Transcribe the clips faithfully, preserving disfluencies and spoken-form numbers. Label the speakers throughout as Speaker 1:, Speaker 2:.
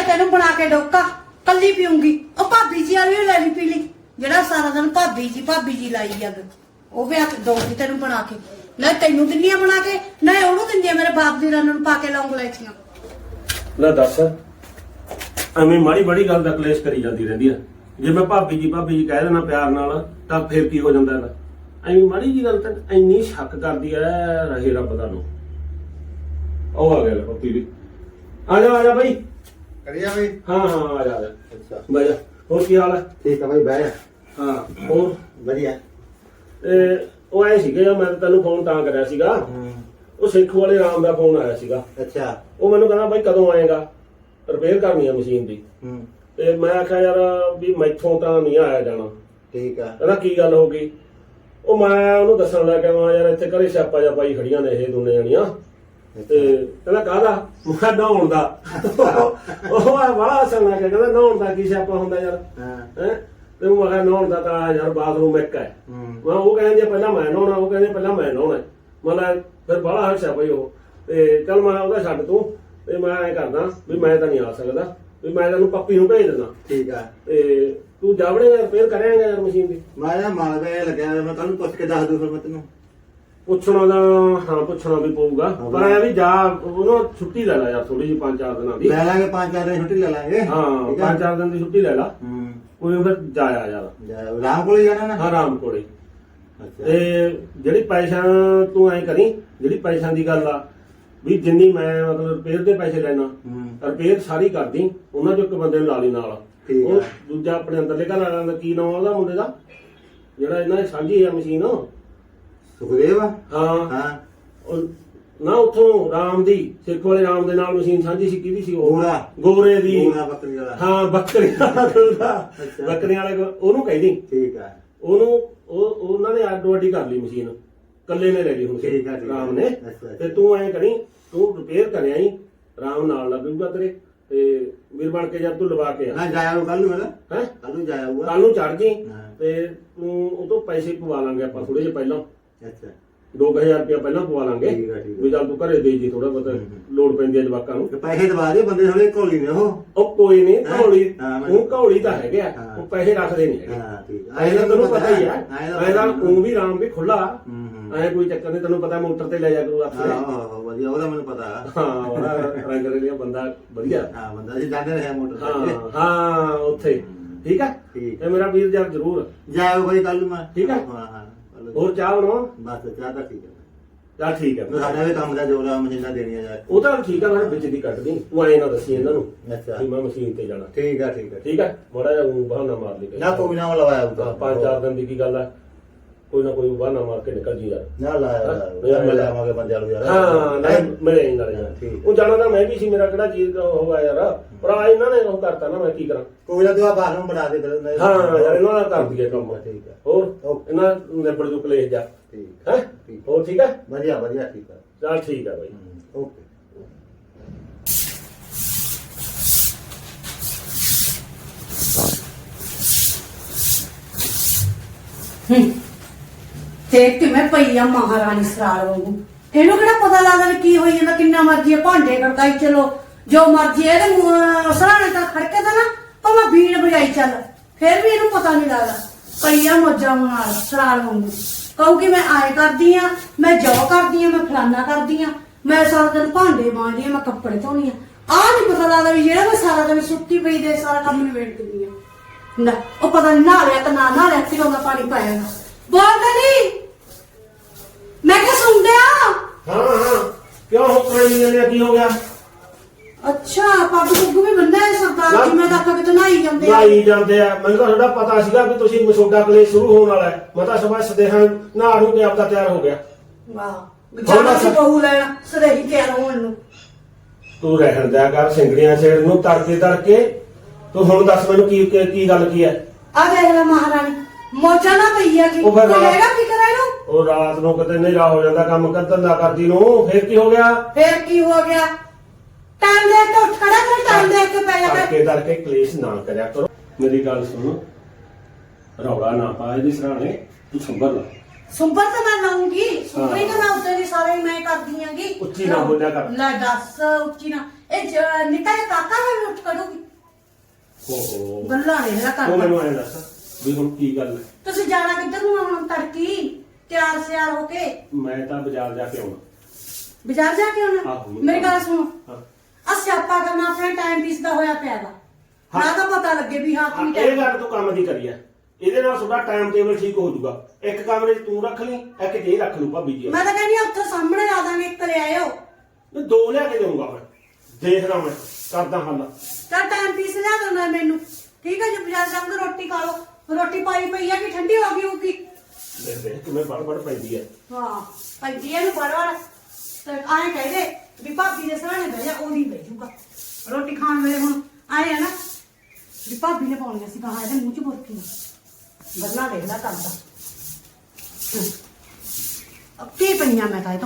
Speaker 1: ਤੈਨੂੰ ਬਣਾ ਕੇ ਡੋਕਾ ਕੱਲੀ ਪੀਉਂਗੀ। ਉਹ ਭਾਬੀ ਜੀ ਵਾਲੀ ਲੈ ਲਈ ਪੀ ਲਈ, ਜਿਹੜਾ ਸਾਰਾ ਦਿਨ ਭਾਬੀ ਜੀ ਭਾਬੀ ਜੀ ਲਾਈ ਜੱਗ, ਉਹ ਵੀ ਹੱਥ ਦਊਗੀ ਤੈਨੂੰ ਬਣਾ ਕੇ। ਨਾ ਤੈਨੂੰ ਦਿੰਦੀਆਂ ਬਣਾ ਕੇ, ਨਾ ਉਹਨੂੰ ਦਿੰਦੀਆਂ ਮੇਰੇ ਬਾਪ ਦੀ ਰੰਨ ਨੂੰ ਪਾ ਕੇ ਲੌਂਗ ਲੈਚੀਆਂ।
Speaker 2: ਲੈ ਦੱਸ, ਐਵੇਂ ਮਾੜੀ ਬੜੀ ਗੱਲ ਦਾ ਕਲੇਸ਼ ਕਰੀ ਜਾਂਦੀ ਰਹਿੰਦੀ ਆ। ਜੇ ਮੈਂ ਭਾਬੀ ਜੀ ਭਾਬੀ ਜੀ ਕਹਿ ਦੇਣਾ ਪਿਆਰ ਨਾਲ ਤਾਂ ਫੇਰ ਕੀ ਹੋ ਜਾਂਦਾ ਇਹਦਾ? ਐਵੇਂ ਮਾੜੀ ਜੀ ਗੱਲ ਤਾਂ ਇੰਨੀ ਸ਼ੱਕ ਕਰਦੀ ਐ, ਰਹੇ ਰੱਬ ਦਾ ਨੂੰ। ਉਹ ਆ ਗਿਆ ਲੈ ਪੱਪੀ ਵੀ। ਆ ਜਾ ਆ ਜਾ ਬਾਈ।
Speaker 3: ਕਰੀਆ ਬਈ।
Speaker 2: ਹਾਂ ਹਾਂ ਆ ਜਾ ਆ ਜਾ।
Speaker 3: ਅੱਛਾ
Speaker 2: ਬਹਿ ਜਾ। ਹੋਰ ਕੀ ਹਾਲ ਹੈ?
Speaker 3: ਠੀਕ ਆ ਬਈ, ਬਹਿ ਜਾ।
Speaker 2: ਹਾਂ ਹੋਰ
Speaker 3: ਵਧੀਆ।
Speaker 2: ਤੇ ਉਹ ਆਏ ਸੀਗੇ, ਮੈਂ ਤੈਨੂੰ ਫੋਨ ਤਾਂ ਕਰਿਆ ਸੀਗਾ, ਉਹ ਸੇਖੂ ਵਾਲੇ ਰਾਮ ਦਾ ਫੋਨ ਆਇਆ ਸੀਗਾ।
Speaker 3: ਅੱਛਾ।
Speaker 2: ਉਹ ਮੈਨੂੰ ਕਹਿੰਦਾ ਬਾਈ ਕਦੋਂ ਆਏਗਾ, ਰਿਪੇਅਰ ਕਰਨੀ ਆ ਮਸ਼ੀਨ ਦੀ।
Speaker 3: ਹੂੰ।
Speaker 2: ਤੇ ਮੈਂ ਆਖਿਆ ਯਾਰ ਵੀ ਮੈਥੋਂ ਤਾਂ ਨਹੀਂ ਆਇਆ ਜਾਣਾ।
Speaker 3: ਠੀਕ ਆ।
Speaker 2: ਕਹਿੰਦਾ ਕੀ ਗੱਲ ਹੋ ਗਈ? ਉਹ ਮੈਂ ਉਹਨੂੰ ਦੱਸਣ ਲੱਗ ਗਿਆ, ਮੈਂ ਯਾਰ ਇੱਥੇ ਘਰੇ ਸਿਆਪਾ ਜਾਂ ਪਾਈ ਖੜੀਆਂ ਨੇ ਇਹ ਦੋਨੇ ਜਣੀਆਂ। ਤੇ ਕਹਿੰਦਾ ਕਾਹਦਾ? ਮੈਂ ਨਹਾਉਣ ਦਾ। ਉਹ ਬੜਾ ਹੱਸਣ ਲੱਗ ਗਿਆ, ਕਹਿੰਦਾ ਨਹਾਉਣ ਦਾ ਕੀ ਸਿਆਪਾ ਹੁੰਦਾ ਯਾਰ? ਹੈ ਤੇ ਮੈਂ ਕਿਹਾ ਨਹਾਉਣ ਦਾ ਤਾਂ ਯਾਰ ਬਾਥਰੂਮ ਇੱਕ ਹੈ। ਮੈਂ ਉਹ ਕਹਿੰਦੇ ਪਹਿਲਾਂ ਮੈਂ ਨਹਾਉਣਾ, ਉਹ ਕਹਿੰਦੇ ਪਹਿਲਾਂ ਮੈਂ ਨਹਾਉਣਾ। ਮਤਲਬ ਫਿਰ ਬੜਾ ਹੱਸਿਆ ਬਈ ਉਹ। ਤੇ ਚੱਲ ਮੈਂ ਉਹਦਾ ਛੱਡ ਤੂੰ, ਤੇ ਮੈਂ ਐਂ ਕਰਦਾ ਵੀ ਮੈਂ ਤਾਂ ਨਹੀਂ ਆ ਸਕਦਾ, ਵੀ ਮੈਂ ਤੈਨੂੰ ਪੱਪੀ ਨੂੰ ਭੇਜ ਦਿੰਦਾ।
Speaker 3: ਠੀਕ ਆ।
Speaker 2: ਤੇ ਤੂੰ ਜਾਵੜੇਗਾ ਰਿਪੇਅਰ ਕਰਿਆਗਾ ਯਾਰ ਮਸ਼ੀਨ ਦੀ?
Speaker 3: ਮੈਂ ਨਾ ਮਾਲ ਵੇ ਲੱਗਿਆ, ਮੈਂ ਕੱਲ ਨੂੰ ਪੁੱਛ ਕੇ ਦੱਸ ਦੂ ਫਿਰ ਮੈਂ ਤੈਨੂੰ।
Speaker 2: ਪੁੱਛਣਾ ਦਾ ਹਾਂ ਪੁੱਛਣਾ ਵੀ ਪਊਗਾ, ਪਰ ਐ ਵੀ ਜਾ ਉਹਨੂੰ ਛੁੱਟੀ ਲੈ ਲੈ ਯਾਰ ਥੋੜੀ ਜਿਹੀ, ਪੰਜ ਚਾਰ ਦਿਨਾਂ ਦੀ
Speaker 3: ਲੈ ਲਾਂਗੇ। ਪੰਜ ਚਾਰ ਦਿਨ ਛੁੱਟੀ ਲੈ ਲਾਂਗੇ।
Speaker 2: ਹਾਂ ਪੰਜ ਚਾਰ ਦਿਨ ਦੀ ਛੁੱਟੀ ਲੈ ਲਾ।
Speaker 3: ਹੂੰ।
Speaker 2: ਕੋਈ ਫਿਰ ਜਾਇਆ ਯਾਰ
Speaker 3: ਰਾਮ ਕੋਲ ਹੀ ਜਾਣਾ ਨਾ?
Speaker 2: ਹਾਂ ਰਾਮ ਕੋਲੇ।
Speaker 3: ਅੱਛਾ।
Speaker 2: ਤੇ ਜਿਹੜੀ ਪੈਸਿਆਂ ਤੂੰ ਐਂ ਕਰੀ, ਜਿਹੜੀ ਪੈਸਿਆਂ ਦੀ ਗੱਲ ਆ ਵੀ ਜਿੰਨੀ ਮੈਂ ਮਤਲਬ ਰਿਪੇਅਰ ਦੇ ਪੈਸੇ ਲੈਣਾ, ਰਿਪੇਅਰ ਸਾਰੀ ਕਰਦੀ, ਉਹਨਾਂ ਚੋਂ ਇੱਕ ਬੰਦੇ ਨੂੰ ਲਾ ਲਈ ਨਾਲ। ਉਹ ਦੂਜਾ ਆਪਣੇ ਅੰਦਰਲੇ ਘਰ ਵਾਲਿਆਂ ਦਾ ਕੀ ਨਾਮ ਉਹਦਾ ਮੁੰਡੇ ਦਾ, ਜਿਹੜਾ ਇਹਨਾਂ ਦੀ ਸਾਂਝੀ ਆ ਮਸ਼ੀਨ?
Speaker 3: ਸੁਖਦੇਵ।
Speaker 2: ਹਾਂ
Speaker 3: ਹਾਂ।
Speaker 2: ਉਹ ਨਾ ਉੱਥੋਂ ਰਾਮ ਦੀ, ਸਿੱਖ ਵਾਲੇ ਰਾਮ ਦੇ ਨਾਲ ਮਸ਼ੀਨ ਸਾਂਝੀ ਸੀ। ਕਿਹਦੀ ਸੀ ਉਹ?
Speaker 3: ਗੋਰਾ।
Speaker 2: ਗੋਰੇ ਦੀ।
Speaker 3: ਗੋਰਾ ਬੱਕਰੀ ਵਾਲਾ।
Speaker 2: ਹਾਂ ਬੱਕਰੀ ਵਾਲਾ। ਬੱਕਰੀਆਂ ਵਾਲੇ ਉਹਨੂੰ ਕਹਿੰਦੀ।
Speaker 3: ਠੀਕ ਆ।
Speaker 2: ਉਹਨੂੰ ਉਹ ਉਹਨਾਂ ਨੇ ਅੱਡੋ ਅੱਡੀ ਕਰ ਲਈ ਮਸ਼ੀਨ, ਕੱਲੇ ਨੇ ਲੈ ਲਈ ਹੁਣ
Speaker 3: ਠੀਕ ਆ, ਠੀਕ ਆ।
Speaker 2: ਰਾਮ ਨੇ। ਤੇ ਤੂੰ ਐਂ ਕਰੀ, ਤੂੰ ਰਿਪੇਅਰ ਕਰਿਆ ਹੀ, ਰਾਮ ਨਾਲ ਲੱਗੂਗਾ ਤੇਰੇ। ਤੇ ਵੀਰ ਬਣ ਕੇ ਜਦ ਤੂੰ ਲਵਾ ਕੇ ਆ
Speaker 3: ਹਾਂ ਜਾਇਆ ਕੱਲ ਨੂੰ। ਮੇਰਾ
Speaker 2: ਹੈ
Speaker 3: ਕੱਲ ਨੂੰ ਜਾਇਆ ਹੋਊਗਾ।
Speaker 2: ਕੱਲ ਨੂੰ ਚੜ ਜੀ। ਤੇ ਤੂੰ ਉਹ ਤੋਂ ਪੈਸੇ ਪਵਾ ਲਾਂਗੇ ਆਪਾਂ ਥੋੜੇ ਜਿਹੇ ਪਹਿਲਾਂ,
Speaker 3: ਅੱਛਾ
Speaker 2: ਦੋ ਕੁ ਹਜ਼ਾਰ ਰੁਪਇਆ ਪਹਿਲਾਂ ਪਵਾ ਲਾਂਗੇ।
Speaker 3: ਠੀਕ ਆ, ਠੀਕ ਆ।
Speaker 2: ਵੀ ਚੱਲ ਤੂੰ ਘਰੇ ਦੇ ਜੀ, ਥੋੜਾ ਬਹੁਤਾ ਲੋੜ ਪੈਂਦੀ ਹੈ ਜਵਾਕਾਂ ਨੂੰ।
Speaker 3: ਪੈਸੇ ਦਵਾ ਦੇ, ਬੰਦੇ ਥੋੜੇ ਘੋਲੀ ਨੇ ਉਹ।
Speaker 2: ਉਹ ਕੋਈ ਨਹੀਂ ਘੌਲੀ,
Speaker 3: ਹਾਂ,
Speaker 2: ਉਹ ਘੌਲੀ ਤਾਂ ਹੈਗੇ ਆ, ਉਹ ਪੈਸੇ ਰੱਖਦੇ ਨਹੀਂ ਹੈਗੇ।
Speaker 3: ਹਾਂ ਠੀਕ ਆ।
Speaker 2: ਐਂ ਤਾਂ ਤੈਨੂੰ ਪਤਾ ਹੀ ਆ, ਐਂ ਤਾਂ ਉਹ ਵੀ ਰਾਮ ਵੀ ਖੁੱਲਾ,
Speaker 3: ਹੂੰ
Speaker 2: ਐਂ ਕੋਈ ਚੱਕਰ ਨਹੀਂ। ਤੈਨੂੰ ਪਤਾ ਮੋਟਰ ਤੇ ਲੈ ਜਾ ਕਰੂ ਆਪੇ।
Speaker 3: ਹਾਂ ਵਧੀਆ, ਉਹਦਾ ਮੈਨੂੰ ਪਤਾ।
Speaker 2: ਹਾਂ ਉਹਦਾ ਰੰਗ ਰਲੀਆ ਬੰਦਾ ਵਧੀਆ।
Speaker 3: ਹਾਂ ਬੰਦਾ ਜੀ ਜਾਂਦੇ ਰਹੇ ਮੋਟਰ
Speaker 2: ਹਾਂ ਹਾਂ ਉੱਥੇ। ਠੀਕ ਆ।
Speaker 3: ਠੀਕ
Speaker 2: ਤੇ ਮੇਰਾ ਵੀਰ ਯਾਰ ਜ਼ਰੂਰ
Speaker 3: ਜਾਇਓ ਬਾਈ ਕੱਲ ਨੂੰ ਮੈਂ।
Speaker 2: ਠੀਕ ਆ।
Speaker 3: ਹਾਂ ਹਾਂ।
Speaker 2: ਹੋਰ ਚਾਹ ਬਣਾਉਣ?
Speaker 3: ਬਸ ਚਾਹ ਤਾਂ ਠੀਕ ਹੈ।
Speaker 2: ਚੱਲ ਠੀਕ ਹੈ।
Speaker 3: ਸਾਡਾ ਵੀ ਕੰਮ ਦਾ ਜੋਰਾ ਮਸ਼ੀਨਾਂ ਦੇਣੀਆਂ ਯਾਰ।
Speaker 2: ਉਹ ਤਾਂ ਠੀਕ ਆ, ਮੈਂ ਵਿੱਚ ਦੀ ਕੱਟਦੀ, ਤੂੰ ਐਂ ਨਾ ਦੱਸੀ ਇਹਨਾਂ ਨੂੰ
Speaker 3: ਅੱਛਾ
Speaker 2: ਕਿ ਮੈਂ ਮਸ਼ੀਨ ਤੇ ਜਾਣਾ।
Speaker 3: ਠੀਕ ਆ ਠੀਕ ਆ।
Speaker 2: ਠੀਕ ਆ। ਮਾੜਾ ਜਿਹਾ ਊਂ ਬਹਾਨਾ ਮਾਰ ਲਈ
Speaker 3: ਨਾ ਕੋਈ ਨਾ ਲਵਾਇਆ ਹੋਊਗਾ।
Speaker 2: ਪੰਜ ਚਾਰ ਦਿਨ ਦੀ ਕੀ ਗੱਲ ਆ, ਕੋਈ ਨਾ ਕੋਈ ਬਹਾਨਾ ਮਾਰ ਕੇ ਨਿਕਲ ਜੀ ਯਾਰ।
Speaker 3: ਨਾ ਲਾਇਆ ਮਿਲ ਜਾਵਾਂਗੇ ਬੰਦਿਆਂ ਨੂੰ ਯਾਰ।
Speaker 2: ਹਾਂ ਨਹੀਂ ਮਿਲੇ ਨਹੀਂ ਨਾਲ ਯਾਰ।
Speaker 3: ਠੀਕ।
Speaker 2: ਉਹ ਜਾਣਾ ਤਾਂ ਮੈਂ ਵੀ ਸੀ, ਮੇਰਾ ਕਿਹੜਾ ਚੀਜ਼ ਹੋਗਾ ਯਾਰ, ਪਰ ਆ ਇਹਨਾਂ ਨੇ ਉਹ ਕਰਤਾ ਨਾ, ਮੈਂ ਕੀ ਕਰਾਂ।
Speaker 3: ਕੋਈ ਨਾ ਤੂੰ ਆ ਬਾਹਰੋਂ ਬਣਾ ਦੇ ਫਿਰ।
Speaker 2: ਹਾਂ ਯਾਰ ਇਹਨਾਂ ਦਾ ਕਰ ਦਈਏ ਕੰਮ।
Speaker 3: ਠੀਕ ਆ।
Speaker 2: ਹੋਰ ਇਹਨਾਂ ਨਿਬੜ ਜੂ ਕਲੇਸ਼ ਜਾ।
Speaker 3: ਠੀਕ
Speaker 2: ਹੈ ਹੋਰ ਠੀਕ ਆ।
Speaker 3: ਵਧੀਆ ਵਧੀਆ ਠੀਕ ਆ।
Speaker 2: ਚੱਲ ਠੀਕ ਆ ਬਾਈ।
Speaker 3: ਓਕੇ।
Speaker 1: ਦੇਖ ਕਿਵੇਂ ਪਈ ਆ ਮਹਾਰਾਣੀ ਸਰਾਲ ਵਾਂਗੂ। ਇਹਨੂੰ ਕਿਹੜਾ ਪਤਾ ਲੱਗਦਾ ਵੀ ਕੀ ਹੋਈ ਜਾਂਦਾ? ਕਿੰਨਾ ਮਰਜੀ ਭਾਂਡੇ ਖੜਕਾਈ ਚਲੋ, ਜੋ ਮਰਜੀ ਇਹਦੇ ਸਰਾਣੇ ਤਾਂ ਖੜਕੇ ਤਾਂ ਨਾ ਭਾਵੇਂ ਬੀੜ ਵਜਾਈ ਚੱਲ, ਫਿਰ ਵੀ ਇਹਨੂੰ ਪਤਾ ਨਹੀਂ ਲੱਗਦਾ। ਪਈ ਆ ਮੋਜਾਂ ਨਾਲ ਸਰਾਲ ਵਾਂਗੂ। ਕਹੂਗੀ ਮੈਂ ਆਏ ਕਰਦੀ ਆ, ਮੈਂ ਜੋ ਕਰਦੀ ਆ, ਮੈਂ ਫਲਾਨਾ ਕਰਦੀ ਆ, ਮੈਂ ਸਾਰਾ ਦਿਨ ਭਾਂਡੇ ਮਾਂਜਦੀ ਆ, ਮੈਂ ਕੱਪੜੇ ਧੋਣੀ ਆ। ਆਹ ਨੀ ਪਤਾ ਲੱਗਦਾ ਵੀ ਜਿਹੜਾ ਮੈਂ ਸਾਰਾ ਦਿਨ ਸੁੱਤੀ ਪਈ ਦੇ ਸਾਰਾ ਕੰਮ ਨਿਬੇੜ ਦਿੰਦੀ ਆ। ਨਾ ਉਹ ਪਤਾ ਨਹੀਂ ਨਹਾ ਲਿਆ ਕਿ ਨਾ ਨਹਾ ਲਿਆ, ਫਿਰ ਉਹਦਾ ਪਾਣੀ ਪਾਇਆ। ਬੋਲਦਾ ਨਹੀਂ, ਮੈਂ ਕਿਹਾ ਸੁਣਦੇ ਆ।
Speaker 2: ਹਾਂ ਹਾਂ ਕਿਉਂ ਹੋ ਕਰੀ ਜਾਂਦੇ? ਕੀ ਹੋ ਗਿਆ?
Speaker 1: ਅੱਛਾ ਪੱਗ ਪੁੱਗ ਵੀ ਬੰਦਾ ਹੈ ਸਰਦਾਰ ਜੀ? ਮੈਂ ਤਾਂ ਆਖਿਆ ਕਿਤੇ ਨਹਾਈ ਜਾਂਦੇ ਆ।
Speaker 2: ਨਹਾਈ ਜਾਂਦੇ ਆ, ਮੈਨੂੰ ਤਾਂ ਤੁਹਾਡਾ ਪਤਾ ਸੀਗਾ ਵੀ ਤੁਸੀਂ ਮਸੋਡਾ ਕਲੇਸ਼ ਸ਼ੁਰੂ ਹੋਣ ਵਾਲਾ ਹੈ। ਮੈਂ ਤਾਂ ਸਵੇਰ ਸਦੇਹਾਂ ਨਹਾ ਨੂੰ ਕੇ ਆਪਦਾ ਤਿਆਰ ਹੋ ਗਿਆ।
Speaker 1: ਵਾਹ ਜਾਣਾ ਸੀ ਬਹੂ ਲੈਣਾ, ਸਦੇਹੀ ਤਿਆਰ ਹੋਣ ਨੂੰ।
Speaker 2: ਤੂੰ ਰਹਿਣ ਦਿਆ ਕਰ ਸਿੰਗੜੀਆਂ ਛੇੜ ਨੂੰ ਤੜਕੇ ਤੜਕੇ। ਤੂੰ ਹੁਣ ਦੱਸ ਮੈਨੂੰ ਕੀ ਕੀ ਗੱਲ ਕੀ ਹੈ?
Speaker 1: ਆ ਦੇਖ ਲੈ ਮਹਾਰਾਣੀ ਮੋਚਾ ਨਾ ਪਈ ਆ ਕਿ
Speaker 2: ਉਹ ਫਿਰ
Speaker 1: ਕੋਈ ਹੈਗਾ ਫਿਕਰ ਇਹਨੂੰ?
Speaker 2: ਉਹ ਰਾਤ ਨੂੰ ਕਿਤੇ ਹਨੇਰਾ ਹੋ ਜਾਂਦਾ ਕੰਮ ਕਰ ਧੰਦਾ ਕਰਦੀ ਨੂੰ, ਫੇਰ ਕੀ ਹੋ ਗਿਆ?
Speaker 1: ਫੇਰ ਕੀ ਹੋ ਗਿਆ? ਟਾਈਮ ਦੇ ਕੇ ਉੱਠ ਖੜਾ ਕਰ, ਟਾਈਮ ਦੇ ਕੇ ਪੈ ਜਾ ਕਰ।
Speaker 2: ਤੜਕੇ ਤੜਕੇ ਕਲੇਸ਼ ਨਾ ਕਰਿਆ ਕਰੋ। ਮੇਰੀ ਗੱਲ ਸੁਣ, ਰੌਲਾ ਨਾ ਪਾ ਇਹਦੀ ਸਰਾਣੇ, ਤੂੰ ਸੰਭਰ ਲਾ।
Speaker 1: ਸੁੰਬਰ ਤਾਂ ਮੈਂ ਲਾਉਂਗੀ, ਸੁੰਬਰੀ ਤਾਂ ਮੈਂ ਉੱਤੇ ਦੀ ਸਾਰੇ ਹੀ ਮੈਂ ਕਰਦੀ ਆਂਗੀ।
Speaker 2: ਉੱਚੀ ਨਾ ਬੋਲਿਆ ਕਰ।
Speaker 1: ਲੈ ਦੱਸ ਉੱਚੀ ਨਾ, ਇਹ ਜ- ਨਿੱਕਾ ਜਿਹਾ ਕਾਕਾ ਹੈ ਲੁੱਟ ਕਰੂਗੀ
Speaker 2: ਓਹੋ
Speaker 1: ਗੱਲਾਂ ਨੇ ਇਹਦਾ
Speaker 2: ਤੂੰ
Speaker 1: ਕਰਦਾ
Speaker 2: ਮੈਨੂੰ ਐਂ ਦੱਸ ਵੀ ਹੁਣ ਕੀ ਗੱਲ ਹੈ
Speaker 1: ਤੁਸੀਂ ਜਾਣਾ ਕਿੱਧਰ ਨੂੰ ਆ ਹੁਣ ਤੜਕੀ ਤਿਆਰ ਸਿਆਰ ਹੋ ਕੇ
Speaker 2: ਮੈਂ ਤਾਂ ਬਾਜ਼ਾਰ ਜਾ ਕੇ ਆਉਣਾ
Speaker 1: ਬਾਜ਼ਾਰ ਜਾ ਕੇ ਆਉਣਾ
Speaker 2: ਆਹੋ।
Speaker 1: ਮੇਰੀ ਗੱਲ ਸੁਣੋ
Speaker 2: ਹਾਂ
Speaker 1: ਆ ਸਿਆਪਾ ਕਰਨਾ ਆਪਣੇ ਟਾਈਮ ਪੀਸ ਦਾ ਹੋਇਆ ਪਿਆ ਗਾ
Speaker 2: ਹਾਂ।
Speaker 1: ਨਾ ਤਾਂ ਪਤਾ ਲੱਗੇ ਵੀ ਹਾਂ
Speaker 2: ਹਾਂ,
Speaker 1: ਕੀ
Speaker 2: ਇਹ
Speaker 1: ਟਾਈਮ
Speaker 2: ਗੱਲ ਤੂੰ ਕੰਮ ਦੀ ਕਰੀ ਆ ਇਹਦੇ ਨਾਲ ਤੁਹਾਡਾ ਟਾਈਮ ਟੇਬਲ ਠੀਕ ਹੋ ਜਾਊਗਾ ਇੱਕ ਕਮਰੇ 'ਚ ਤੂੰ ਰੱਖ ਲਈ ਇੱਕ ਜੇ ਰੱਖ ਲੂ ਭਾਬੀ ਜੀ
Speaker 1: ਮੈਂ ਤਾਂ ਕਹਿੰਦੀ ਆ ਉੱਥੇ ਸਾਹਮਣੇ ਲਾ ਦਾਂਗੇ ਇੱਕ ਲੈ ਆਇਓ
Speaker 2: ਮੈਂ ਦੋ ਲਿਆ ਕੇ ਦੇਊਂਗਾ ਮੈਂ ਦੇਖਦਾ ਮੈਂ ਕਰਦਾ ਹੱਲ
Speaker 1: ਤਾਂ ਟਾਈਮ ਪੀਸ ਲਿਆ ਦੇਣਾ ਮੈਨੂੰ ਠੀਕ ਹੈ ਜੀ ਬਾਜ਼ਾਰ ਜਾ ਕੇ ਰੋਟੀ ਖਾ ਲਓ ਰੋਟੀ ਪਾਈ ਪਈ ਆ ਕਿ ਠੰਡੀ ਹੋ ਗਈ ਹੋਊਗੀ
Speaker 2: ਦੇਖ ਦੇਖ ਕਿਵੇਂ ਬੜ ਬੜ ਪੈਂਦੀ ਹੈ
Speaker 1: ਹਾਂ ਭਾਈ ਇਹਨੂੰ ਬੜਵਾੜ ਤੇ ਆਏ ਕਹਦੇ ਵੀ ਭਾਬੀ ਦੇ ਸਾਹਮਣੇ ਬਹਿ ਜਾ ਉਹਦੀ ਬਹਿ ਜੂਗਾ ਰੋਟੀ ਖਾਣ ਵੇਲੇ ਹੁਣ ਆਏ ਆ ਨਾ ਵੀ ਭਾਬੀ ਨੇ ਪਾਉਣੀਆਂ ਸੀ ਕਹਾ ਇਹਦੇ ਮੂੰਹ ਚ ਬੁਰਕੀਆਂ ਗੱਲਾਂ ਦੇਖਦਾ ਕਰਦਾ ਅਬ ਕੀ ਪਈਆਂ ਮੈਂ ਤਾਂ ਇਹ ਤੋਂ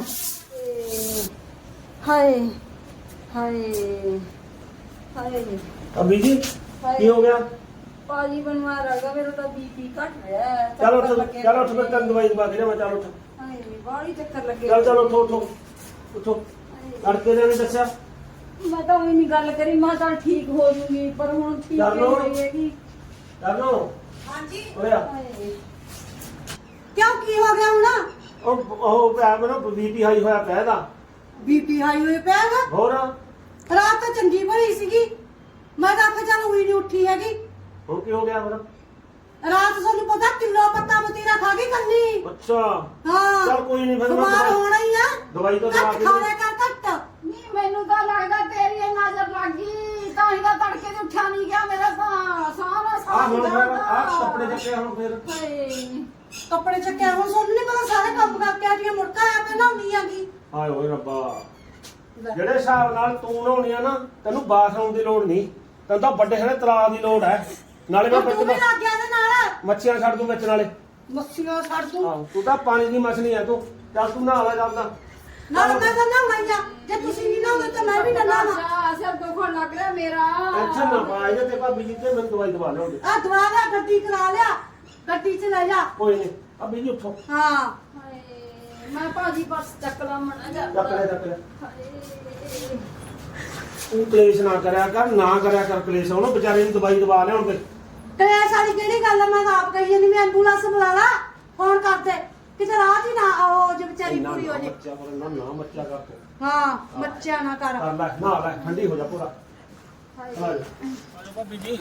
Speaker 4: ਹਾਏ ਹਾਏ ਹਾਏ
Speaker 2: ਅਬੀ ਜੀ ਕੀ ਹੋ ਗਿਆ
Speaker 4: ਪਾਜੀ ਬਣਵਾ ਰਗਾ ਮੇਰਾ ਤਾਂ ਬੀਪੀ ਘਟ ਰਿਹਾ ਹੈ।
Speaker 2: ਚਲ
Speaker 4: ਚੱਕਰ
Speaker 2: ਉੱਠ
Speaker 4: ਲੱਗੇ
Speaker 2: ਚਲ ਉੱਠ ਮੈਂ
Speaker 4: ਹੋਏ
Speaker 2: ਤੈਨੂੰ ਦਵਾਈ ਦਵਾ ਕੇ ਲਿਆਵਾਂ ਚੱਲ ਉੱਠ
Speaker 4: ਹਾਏ ਬਾਹਲੀ ਚੱਕਰ ਲੱਗੇ
Speaker 2: ਚੱਲ ਚੱਲ ਉੱਠੋ ਉੱਠੋ ਉੱਠੋ ਤੜਕੇ ਨੇ ਨਹੀਂ ਦੱਸਿਆ
Speaker 4: ਮੈਂ ਤਾਂ ਉਹੀ ਨਹੀਂ ਗੱਲ ਕਰੀ ਮੈਂ ਚੱਲ ਠੀਕ ਹੋ ਜੂਗੀ ਪਰ ਹੁਣ ਠੀਕ
Speaker 2: ਚੱਲ ਲਓ।
Speaker 4: ਨਹੀਂ ਹੈਗੀ
Speaker 2: ਕਰਨੋ
Speaker 1: ਹਾਂਜੀ
Speaker 2: ਹੋਇਆ
Speaker 4: ਹਾਏ
Speaker 1: ਕਿਉਂ ਕੀ ਹੋ ਗਿਆ ਹੁਣ
Speaker 2: ਉਹ ਉਹ ਪਿਆ ਮੈਨੂੰ ਬੀਪੀ ਹਾਈ ਹੋਇਆ ਪਿਆ ਇਹਦਾ
Speaker 1: ਬੀਪੀ ਹਾਈ ਹੋਏ ਪਿਆ ਗਾ
Speaker 2: ਹੋਰ
Speaker 1: ਰਾਤ ਤਾਂ ਚੰਗੀ ਭਲੀ ਸੀਗੀ ਮੈਂ ਤਾਂ ਆਖਿਆ ਚੱਲ ਉਹੀ ਨਹੀਂ ਉੱਠੀ ਹੈਗੀ
Speaker 2: ਹੁਣ ਕੀ ਹੋ ਗਿਆ ਫਿਰ
Speaker 1: ਰਾਤ ਤੁਹਾਨੂੰ ਪਤਾ ਕਿਲੋ ਪੱਤਾ ਮਤੀਰਾ ਖਾ ਗਈ ਕੰਨੀ
Speaker 2: ਅੱਛਾ
Speaker 1: ਹਾਂ
Speaker 2: ਚੱਲ ਕੋਈ ਨਹੀਂ ਫਿਰ ਮੈਂ
Speaker 1: ਬਿਮਾਰ
Speaker 2: ਦਵਾਈ-
Speaker 1: ਹੋਣਾ ਹੀ ਆ
Speaker 2: ਦਵਾਈ ਤਾਂ ਦਵਾ
Speaker 1: ਘੱਟ
Speaker 2: ਕੇ
Speaker 1: ਖਾਣਿਆ ਕਰ ਘੱਟ
Speaker 4: ਨਹੀਂ ਮੈਨੂੰ ਤਾਂ ਲੱਗਦਾ ਤੇਰੀ ਇਹ ਨਜ਼ਰ ਲੱਗ ਗਈ ਤਾਂ ਹੀ ਤਾਂ ਤੜਕੇ ਤੇ ਉੱਠਿਆ ਨਹੀਂ ਗਿਆ ਮੇਰਾ ਤਾਂ ਸਾਰਾ
Speaker 2: ਆ
Speaker 4: ਸਾਹ
Speaker 2: ਹੁਣ ਫਿਰ ਆ ਕੱਪੜੇ ਚੱਕੇ ਹੁਣ ਫਿਰ
Speaker 4: ਹਾਏ
Speaker 1: ਕੱਪੜੇ ਚੱਕਿਆ ਹੁਣ ਤੁਹਾਨੂੰ ਨਹੀਂ ਪਤਾ ਸਾਰੇ ਕੰਮ ਕਰਕੇ ਆਟੀਆਂ ਮੁੜਕਾ ਆ ਮੈਂ ਨਹਾਉਣੀ ਆਗੀ
Speaker 2: ਹਾਏ ਓਏ ਰੱਬਾ ਜਿਹੜੇ ਹਿਸਾਬ ਨਾਲ ਤੂੰ ਨਹਾਉਣੀ ਆ ਨਾ ਤੈਨੂੰ ਬਾਥਰੂਮ ਦੀ ਲੋੜ ਨਹੀਂ ਤੈਨੂੰ ਤਾਂ ਵੱਡੇ ਸਾਰੇ ਤਲਾਬ ਦੀ ਲੋੜ ਹੈ ਨਾਲੇ ਮੈਂ
Speaker 1: ਤੂੰ ਵੀ
Speaker 2: ਵਿੱਚ
Speaker 1: ਲੱਗ ਗਿਆ ਤੇ ਨਾਲ
Speaker 2: ਮੱਛੀਆਂ ਛੱਡ ਦੂੰ ਵਿੱਚ ਨਾਲੇ
Speaker 1: ਮੱਛੀਆਂ ਛੱਡ ਦੂੰ
Speaker 2: ਆਹੋ ਤੂੰ ਤਾਂ ਪਾਣੀ ਦੀ ਮਛਲੀ ਆ ਤੂੰ ਚੱਲ ਤੂੰ ਨਹਾ ਲੈ ਜਾਂਦਾ
Speaker 1: ਨਾਲ ਮੈਂ ਤਾਂ ਨਹਾਉਣਾ ਆ ਜੇ ਤੁਸੀਂ ਨਹੀਂ ਨਹਾਉਂਦੇ ਤਾਂ ਮੈਂ ਵੀ ਨਾ ਨਹਾਵਾਂ
Speaker 4: ਅੱਛਾ ਸਿਰ ਦੁਖਣ ਲੱਗ ਰਿਹਾ ਮੇਰਾ
Speaker 2: ਟੈਨਸ਼ਨ ਨਾ ਪਾ ਇਹਦੇ ਤੇ ਭਾਬੀ ਜੀ ਤੇ ਮੈਨੂੰ ਦਵਾਈ ਦਵਾ ਲਿਆਉਂਦੇ
Speaker 1: ਆ ਦਵਾ ਲਿਆ ਗੱਡੀ ਕਰਾ ਲਿਆ ਗੱਡੀ 'ਚ ਲੈ ਜਾ
Speaker 2: ਕੋਈ ਨਹੀਂ ਭਾਬੀ ਜੀ ਉੱਠੋ
Speaker 1: ਹਾਂ
Speaker 4: ਹਾਏ ਮੈਂ ਭਾਜੀ ਪਰਸ ਚੱਕ ਲਾ ਮਣਾ ਜਾ
Speaker 2: ਚੱਕ ਲੈ ਚੱਕ ਲੈ
Speaker 4: ਹਾਏ
Speaker 2: ਤੂੰ ਕਲੇਸ਼ ਨਾ ਕਰਿਆ ਕਰ ਨਾ ਕਰਿਆ ਕਰ ਕਲੇਸ਼ ਉਹਨੂੰ ਵਿਚਾਰੇ ਨੂੰ ਦਵਾਈ ਦਵਾ ਲਿਆਉਂਦੇ
Speaker 1: ਕਲੇਸ਼ ਵਾਲੀ ਕਿਹੜੀ ਗੱਲ ਆ ਮੈਂ ਤਾਂ ਆਪ ਕਹੀ ਜਾਂਦੀ ਮੈਂ ਐਂਬੂਲੈਂਸ ਬੁਲਾ ਲਾ ਫੋਨ ਕਰਦੇ ਕਿਤੇ ਰਾਤ ਹੀ ਨਾ ਆਓ ਜੇ ਵਿਚਾਰੀ
Speaker 2: ਇੰਨਾ
Speaker 1: ਪੂਰੀ ਹੋ
Speaker 2: ਨਾ
Speaker 1: ਜੇ
Speaker 2: ਬੱਚਾ ਪਰ ਨਾ ਨਾ ਬੱਚਾ ਕਰ ਤੂੰ
Speaker 1: ਹਾਂ ਬੱਚਿਆਂ ਨਾ ਕਰ
Speaker 2: ਕਰ ਲੈ ਨਾ ਲੈ ਠੰਡੀ ਹੋ ਜਾ ਪੂਰਾ
Speaker 4: ਹਾਏ
Speaker 2: ਆ ਜਾ ਆ ਜਾ ਭਾਬੀ ਜੀ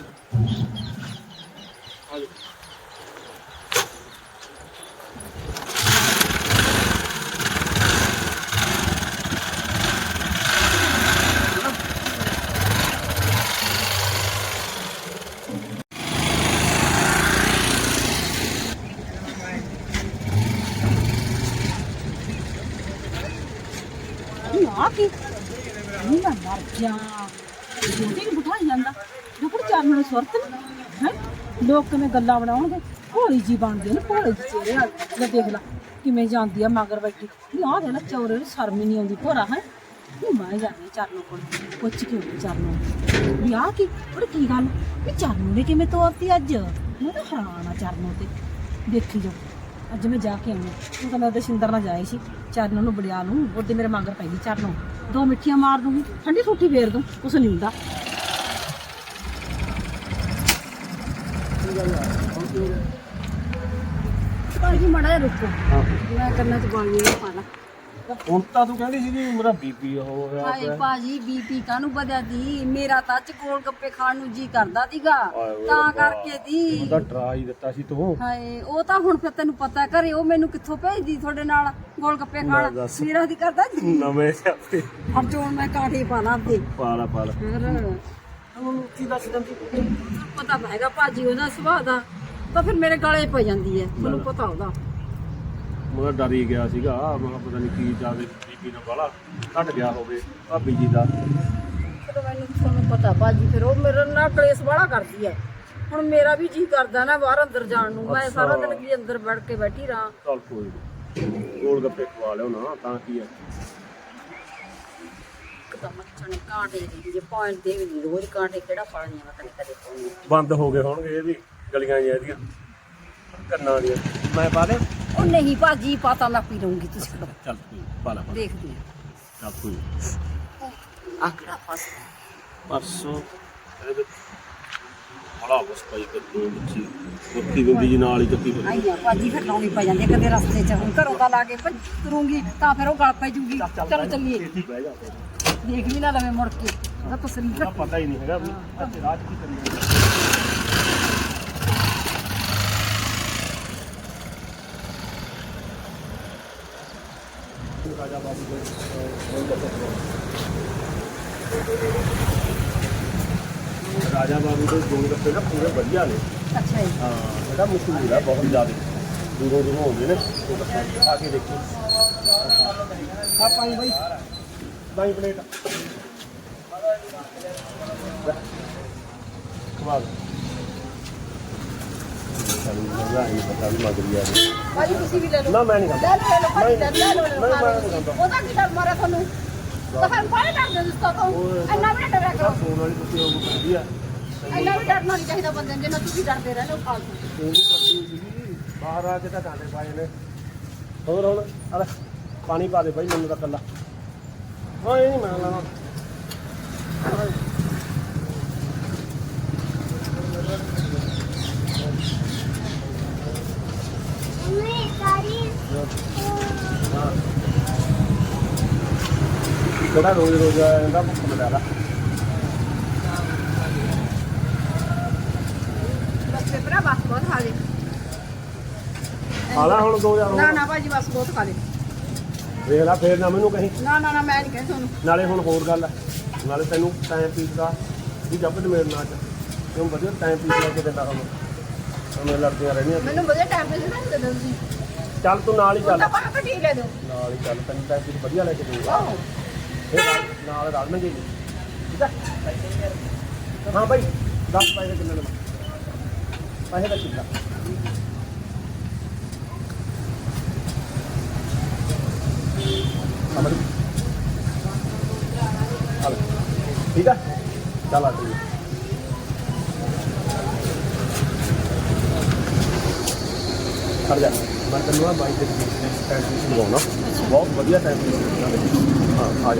Speaker 2: ਆ ਜਾ
Speaker 5: ਆ ਕੀ ਨਹੀਂ ਮੈਂ ਮਰ ਜਾ ਜੋਤੀ ਨੂੰ ਬਿਠਾਈ ਜਾਂਦਾ ਜੋ ਕੋਈ ਚਾਰ ਨਾਲ ਸੁਰਤ ਹੈ ਲੋਕ ਕਿਵੇਂ ਗੱਲਾਂ ਬਣਾਉਣਗੇ ਭੋਲੀ ਜੀ ਬਣਦੀ ਹੈ ਨਾ ਭੋਲੇ ਜੀ ਚਿਹਰੇ ਵਾਲੀ ਲੈ ਦੇਖ ਲੈ ਕਿਵੇਂ ਜਾਂਦੀ ਆ ਮਗਰ ਬੈਠੀ ਨਹੀਂ ਆਹ ਦੇ ਨਾ ਚੌਰੇ ਨੂੰ ਸ਼ਰਮ ਹੀ ਨਹੀਂ ਆਉਂਦੀ ਭੋਰਾ ਹੈ ਉਹ ਮੈਂ ਜਾਂਦੀ ਚਰਨੋਂ ਕੋਲ ਪੁੱਛ ਕੇ ਆਉਂਦੀ ਚਰਨੋਂ ਵੀ ਆਹ ਕੀ ਉਹ ਕੀ ਗੱਲ ਵੀ ਚਰਨੋਂ ਨੇ ਕਿਵੇਂ ਤੋਰਤੀ ਅੱਜ ਮੈਂ ਤਾਂ ਹੈਰਾਨ ਆ ਚਰਨੋਂ ਤੇ ਦੇਖੀ ਜਾ ਅੱਜ ਮੈਂ ਜਾ ਕੇ ਆਉਣਾ ਉਹ ਤਾਂ ਮੈਂ ਉਹਦੇ ਸਿੰਦਰ ਨਾਲ ਜਾਏ ਸੀ ਚਰਨੋਂ ਨੂੰ ਬੜਿਆ ਨੂੰ ਉਹਦੇ ਮੇਰੇ ਮਗਰ ਪੈ ਗਈ ਚਰਨੋਂ ਦੋ ਮਿੱਠੀਆਂ ਮਾਰ ਦੂੰਗੀ ਠੰਡੀ ਸੂਠੀ ਫੇਰ ਦੂੰ ਕੁਛ ਨਹੀਂ ਹੁੰਦਾ ਭਾਜੀ ਮੜਾ ਜਿਹਾ ਰੁਕੋ ਮੈਂ ਕਰਨਾ ਚ ਗੋਲੀਆਂ ਨਹੀਂ ਪਾਣਾ
Speaker 2: ਹੁਣ ਤਾਂ ਤੂੰ ਕਹਿੰਦੀ ਸੀ ਕਿ ਮੇਰਾ ਬੀਪੀ ਹੋ ਗਿਆ
Speaker 4: ਹਾਏ ਭਾਜੀ ਬੀਪੀ ਕਾਹਨੂੰ ਵਧਿਆ ਦੀ ਮੇਰਾ ਤਾਂ ਅੱਜ ਗੋਲ ਗੱਪੇ ਖਾਣ ਨੂੰ ਜੀ ਕਰਦਾ ਸੀਗਾ ਤਾਂ ਕਰਕੇ ਦੀ
Speaker 2: ਉਹਦਾ ਡਰਾ ਹੀ ਦਿੱਤਾ ਸੀ ਤੂੰ
Speaker 4: ਹਾਏ ਉਹ ਤਾਂ ਹੁਣ ਫਿਰ ਤੈਨੂੰ ਪਤਾ ਘਰੇ ਉਹ ਮੈਨੂੰ ਕਿੱਥੋਂ ਭੇਜਦੀ ਤੁਹਾਡੇ ਨਾਲ ਗੋਲ ਗੱਪੇ ਖਾਣ
Speaker 2: ਦੱਸ।
Speaker 4: ਮੇਰਾ ਦੀ ਕਰਦਾ ਜੀ
Speaker 2: ਨਵੇਂ ਸਿਆਪੇ
Speaker 4: ਹਰ ਜੋਨ ਮੈਂ ਕਾਠੀ ਪਾ ਲਾਂ ਤੇ
Speaker 2: ਪਾਲਾ ਪਾਲਾ
Speaker 4: ਫਿਰ
Speaker 2: ਹੁਣ ਕੀ ਦੱਸ ਦਿੰਦੀ
Speaker 4: ਪਤਾ ਤਾਂ ਹੈਗਾ ਭਾਜੀ ਉਹਦਾ ਸੁਭਾਅ ਦਾ ਤਾਂ ਫਿਰ ਮੇਰੇ ਗਲੇ ਪੈ ਜਾਂਦੀ ਹੈ ਤੁਹਾਨੂੰ ਪਤਾ ਉਹਦਾ
Speaker 2: ਮੈਂ ਡਰ ਹੀ ਗਿਆ ਸੀਗਾ ਮੈਂ ਕਿਹਾ ਪਤਾ ਨਹੀਂ ਕੀ ਜਾਦੇ ਬੀਪੀ ਨਾਲ ਬਾਲਾ ਘਟ ਗਿਆ ਹੋਵੇ ਭਾਬੀ ਜੀ ਦਾ
Speaker 4: ਫਿਰ ਮੈਨੂੰ ਤੁਹਾਨੂੰ ਪਤਾ ਭਾਜੀ ਫਿਰ ਉਹ ਮੇਰੇ ਨਾਲ ਕਲੇਸ਼ ਵਾਲਾ ਕਰਦੀ ਹੈ ਹੁਣ ਮੇਰਾ ਵੀ ਜੀ ਕਰਦਾ ਨਾ ਬਾਹਰ ਅੰਦਰ ਜਾਣ ਨੂੰ ਮੈਂ ਸਾਰਾ ਦਿਨ ਕੀ ਅੰਦਰ ਬੈਠ ਕੇ ਬੈਠੀ ਰਾਂ
Speaker 2: ਚੱਲ ਕੋਈ ਨੀ ਗੋਲ ਗੱਪੇ ਖਵਾ ਲਿਓ ਨਾ ਤਾਂ ਕੀ ਹੈ
Speaker 4: ਤਾਂ ਮੱਛਣ ਕਾਂਟੇ ਦੀ ਜੇ ਪੁਆਇੰਟ ਦੇ ਵੀ ਨੀ, ਰੋਜ਼ ਕਾਂਟੇ ਕਿਹੜਾ ਪਾਣੀਆਂ ਮੈਂ ਤੈਨੂੰ ਕਦੇ ਪਾਉਣੀ
Speaker 2: ਬੰਦ ਹੋ ਗਏ ਹੋਣਗੇ ਇਹ ਵੀ ਗਲੀਆਂ ਜਿਹੀਆਂ ਇਹਦੀਆਂ ਕੰਨਾਂ ਦੀਆਂ ਮੈਂ ਪਾ ਦੇ
Speaker 4: ਉਹ ਨਹੀਂ ਭਾਜੀ ਪਤਾ ਮੈਂ ਪੀ ਲਊਂਗੀ ਤੁਸੀਂ
Speaker 2: ਚੱਲ ਕੋਈ ਪਾਲਾ ਪਾ
Speaker 4: ਦੇਖਦੀ ਹਾਂ
Speaker 2: ਚੱਲ ਕੋਈ
Speaker 5: ਆ ਕਿਹੜਾ ਫਸ
Speaker 2: ਪਰਸੋਂ ਇਹਦੇ ਬੜਾ ਬਸ ਪਾਈ ਕਰਦੀ ਬੱਚੀ ਮੁੱਕੀ ਗੁੰਦੀ ਜੀ ਨਾਲ ਹੀ ਚੱਕੀ ਫਿਰਦੀ।
Speaker 5: ਆਈਆਂ ਭਾਜੀ ਫਿਰ ਲਾਉਣੀ ਪੈ ਜਾਂਦੀ ਹੈ, ਕਦੇ ਰਸਤੇ 'ਚ ਹੁਣ ਘਰੋਂ ਦਾ ਲਾ ਕੇ ਭੱਜ ਤੁਰੂੰਗੀ ਤਾਂ ਫਿਰ ਉਹ ਗਲ ਪੈ ਜੂਗੀ। ਚਲੋ ਚੱਲੀਏ,
Speaker 2: ਬਹਿ ਜਾ
Speaker 5: ਦੇਖ ਵੀ ਨਾ ਲਵੇਂ ਮੁੜ ਕੇ ਉਹਦਾ ਤਸਰੀਰ
Speaker 2: ਤਾਂ ਪਤਾ ਹੀ ਨਹੀਂ ਹੈਗਾ ਵੀ ਅੱਜ ਰਾਤ ਕੀ ਕਰੀ ਜਾਂਦੇ। ਰਾਜਾ ਬਾਬੂ ਦੇ ਰਾਜਾ ਬਾਬੂ ਦੇ ਗੋਲ ਗੱਪੇ ਨਾ ਪੂਰੇ ਵਧੀਆ ਨੇ।
Speaker 5: ਅੱਛਾ ਜੀ।
Speaker 2: ਹਾਂ ਇਹਦਾ ਮਸ਼ਹੂਰ ਆ ਬਹੁਤ ਜ਼ਿਆਦਾ, ਦੂਰੋਂ ਦੂਰੋਂ ਆਉਂਦੇ ਨੇ ਗੋਲ ਗੱਪੇ ਆ ਕੇ ਦੇਖੋ। ਆ ਪਾਈ ਬਾਈ ਬਾਈ ਪਲੇਟ ਕਮਾਲ ਸਾਨੂੰ ਮਜ਼ਾ ਆਈ ਪਤਾ ਵੀ ਲੱਗ ਰਿਹਾ ਹੈ।
Speaker 5: ਭਾਜੀ ਤੁਸੀਂ ਵੀ ਲੈ ਲਓ।
Speaker 2: ਨਾ ਮੈਂ ਨਹੀਂ ਖਾਂਦਾ।
Speaker 5: ਲੈ ਲਓ ਭਾਜੀ, ਲੈ ਲਓ, ਲੈ ਲਓ,
Speaker 2: ਨਹੀਂ,
Speaker 5: ਖਾ
Speaker 2: ਮੈਂ
Speaker 5: ਲਓ
Speaker 2: ਨਹੀਂ
Speaker 5: ਤੁਸੀਂ।
Speaker 2: ਖਾਂਦਾ।
Speaker 5: ਉਹਦਾ ਕੀ ਡਰ ਮਾਰਿਆ ਤੁਹਾਨੂੰ? ਤੁਹਾਨੂੰ ਬਾਹਰ ਡਰਦੇ ਹੋ ਤੁਸੀਂ ਤੋਂ? ਇੰਨਾ ਵੀ ਨਾ ਡਰਿਆ ਕਰੋ।
Speaker 2: ਫੋਨ ਵਾਲੀ ਤੁਸੀਂ ਉਹ ਵਧੀਆ
Speaker 5: ਇੰਨਾ ਵੀ ਡਰਨਾ ਨਹੀਂ ਚਾਹੀਦਾ ਬੰਦੇ ਨੂੰ, ਜਿੰਨਾ ਤੁਸੀਂ ਡਰਦੇ ਰਹਿੰਦੇ ਹੋ ਫਾਲਤੂ।
Speaker 2: ਫੋਨ ਕਰਦੀ ਸੀਗੀ ਬਾਹਰ ਆ ਕੇ ਤਾਂ ਗਾਣੇ ਪਾਏ ਨੇ। ਹੋਰ ਹੁਣ ਆ ਲੈ ਪਾਣੀ ਪਾ ਦੇ ਬਾਈ ਮੈਨੂੰ ਤਾਂ ਕੱਲਾ। ਹਾਂ ਇਹ ਨਹੀਂ ਮੈਂ ਲਾਣਾ। ਕਿਹੜਾ ਰੋਜ਼ ਰੋਜ਼ ਇਹਦਾ ਭੁੱਖ ਮਿਲਿਆ
Speaker 5: ਬਸ ਪੇਪਰਾ ਬਸ ਬਹੁਤ ਖਾ ਲੇ।
Speaker 2: ਹਾਲਾ ਹੁਣ ਦੋ ਹਜ਼ਾਰ
Speaker 5: ਨਾ ਨਾ ਭਾਜੀ ਬਸ ਬਹੁਤ ਖਾ ਲੇ।
Speaker 2: ਵੇਖ ਲੈ ਫੇਰ ਨਾ ਮੈਨੂੰ ਕਹੀਂ।
Speaker 5: ਨਾ ਨਾ ਨਾ ਮੈਂ ਨਹੀਂ ਕਹਿੰਦੀ ਤੁਹਾਨੂੰ।
Speaker 2: ਨਾਲੇ ਹੁਣ ਹੋਰ ਗੱਲ ਹੈ, ਨਾਲੇ ਤੈਨੂੰ ਟਾਈਮ ਪੀਸ ਦਾ ਵੀ ਜੱਬ ਤੇ ਮੇਰੇ ਨਾਲ ਚ ਕਿਉਂ ਵਧੀਆ ਟਾਈਮ ਪੀਸ ਲੈ ਕੇ ਦਿੰਦਾ ਹੁਣ ਉਹਨੇ ਲੜਦੀਆਂ ਰਹਿਣੀਆਂ।
Speaker 5: ਮੈਨੂੰ ਵਧੀਆ ਟਾਈਮ ਤੇ ਨਾ ਦੇ ਦਿਓ ਤੁਸੀਂ।
Speaker 2: ਚੱਲ ਤੂੰ ਨਾਲ ਹੀ ਚੱਲ,
Speaker 5: ਤਾਂ ਬਾਹਰ ਕੱਢੀ ਲੈ ਦਿਓ।
Speaker 2: ਨਾਲ ਹੀ ਚੱਲ ਤੈਨੂੰ ਟਾਈਮ ਪੀਸ ਵਧੀਆ ਲੈ ਕੇ ਦੇਊਗਾ। ਫਿਰ ਨਾਲ- ਨਾਲ ਰਲ ਮੈਂ ਗਈ ਠੀਕ ਹੈ। ਹਾਂ ਭਾਈ ਦਸ ਪੈਸੇ ਕਿੰਨੇ ਨੇ ਪੈਸੇ ਦਾ ਕਿੰਨਾ ਸਮਝ ਚੱਲ ਠੀਕ ਹੈ। ਚੱਲ ਆ ਜੀ ਕਰ ਜਾ ਮੈਂ ਤੈਨੂੰ ਆ ਬਾਈਕ ਦੇ ਟਾਈਮ ਪੀਸ ਲਗਾਉਣਾ ਬਹੁਤ ਵਧੀਆ ਟਾਈਮ ਪੀਸ। ਹਾਂ ਆ ਜਾ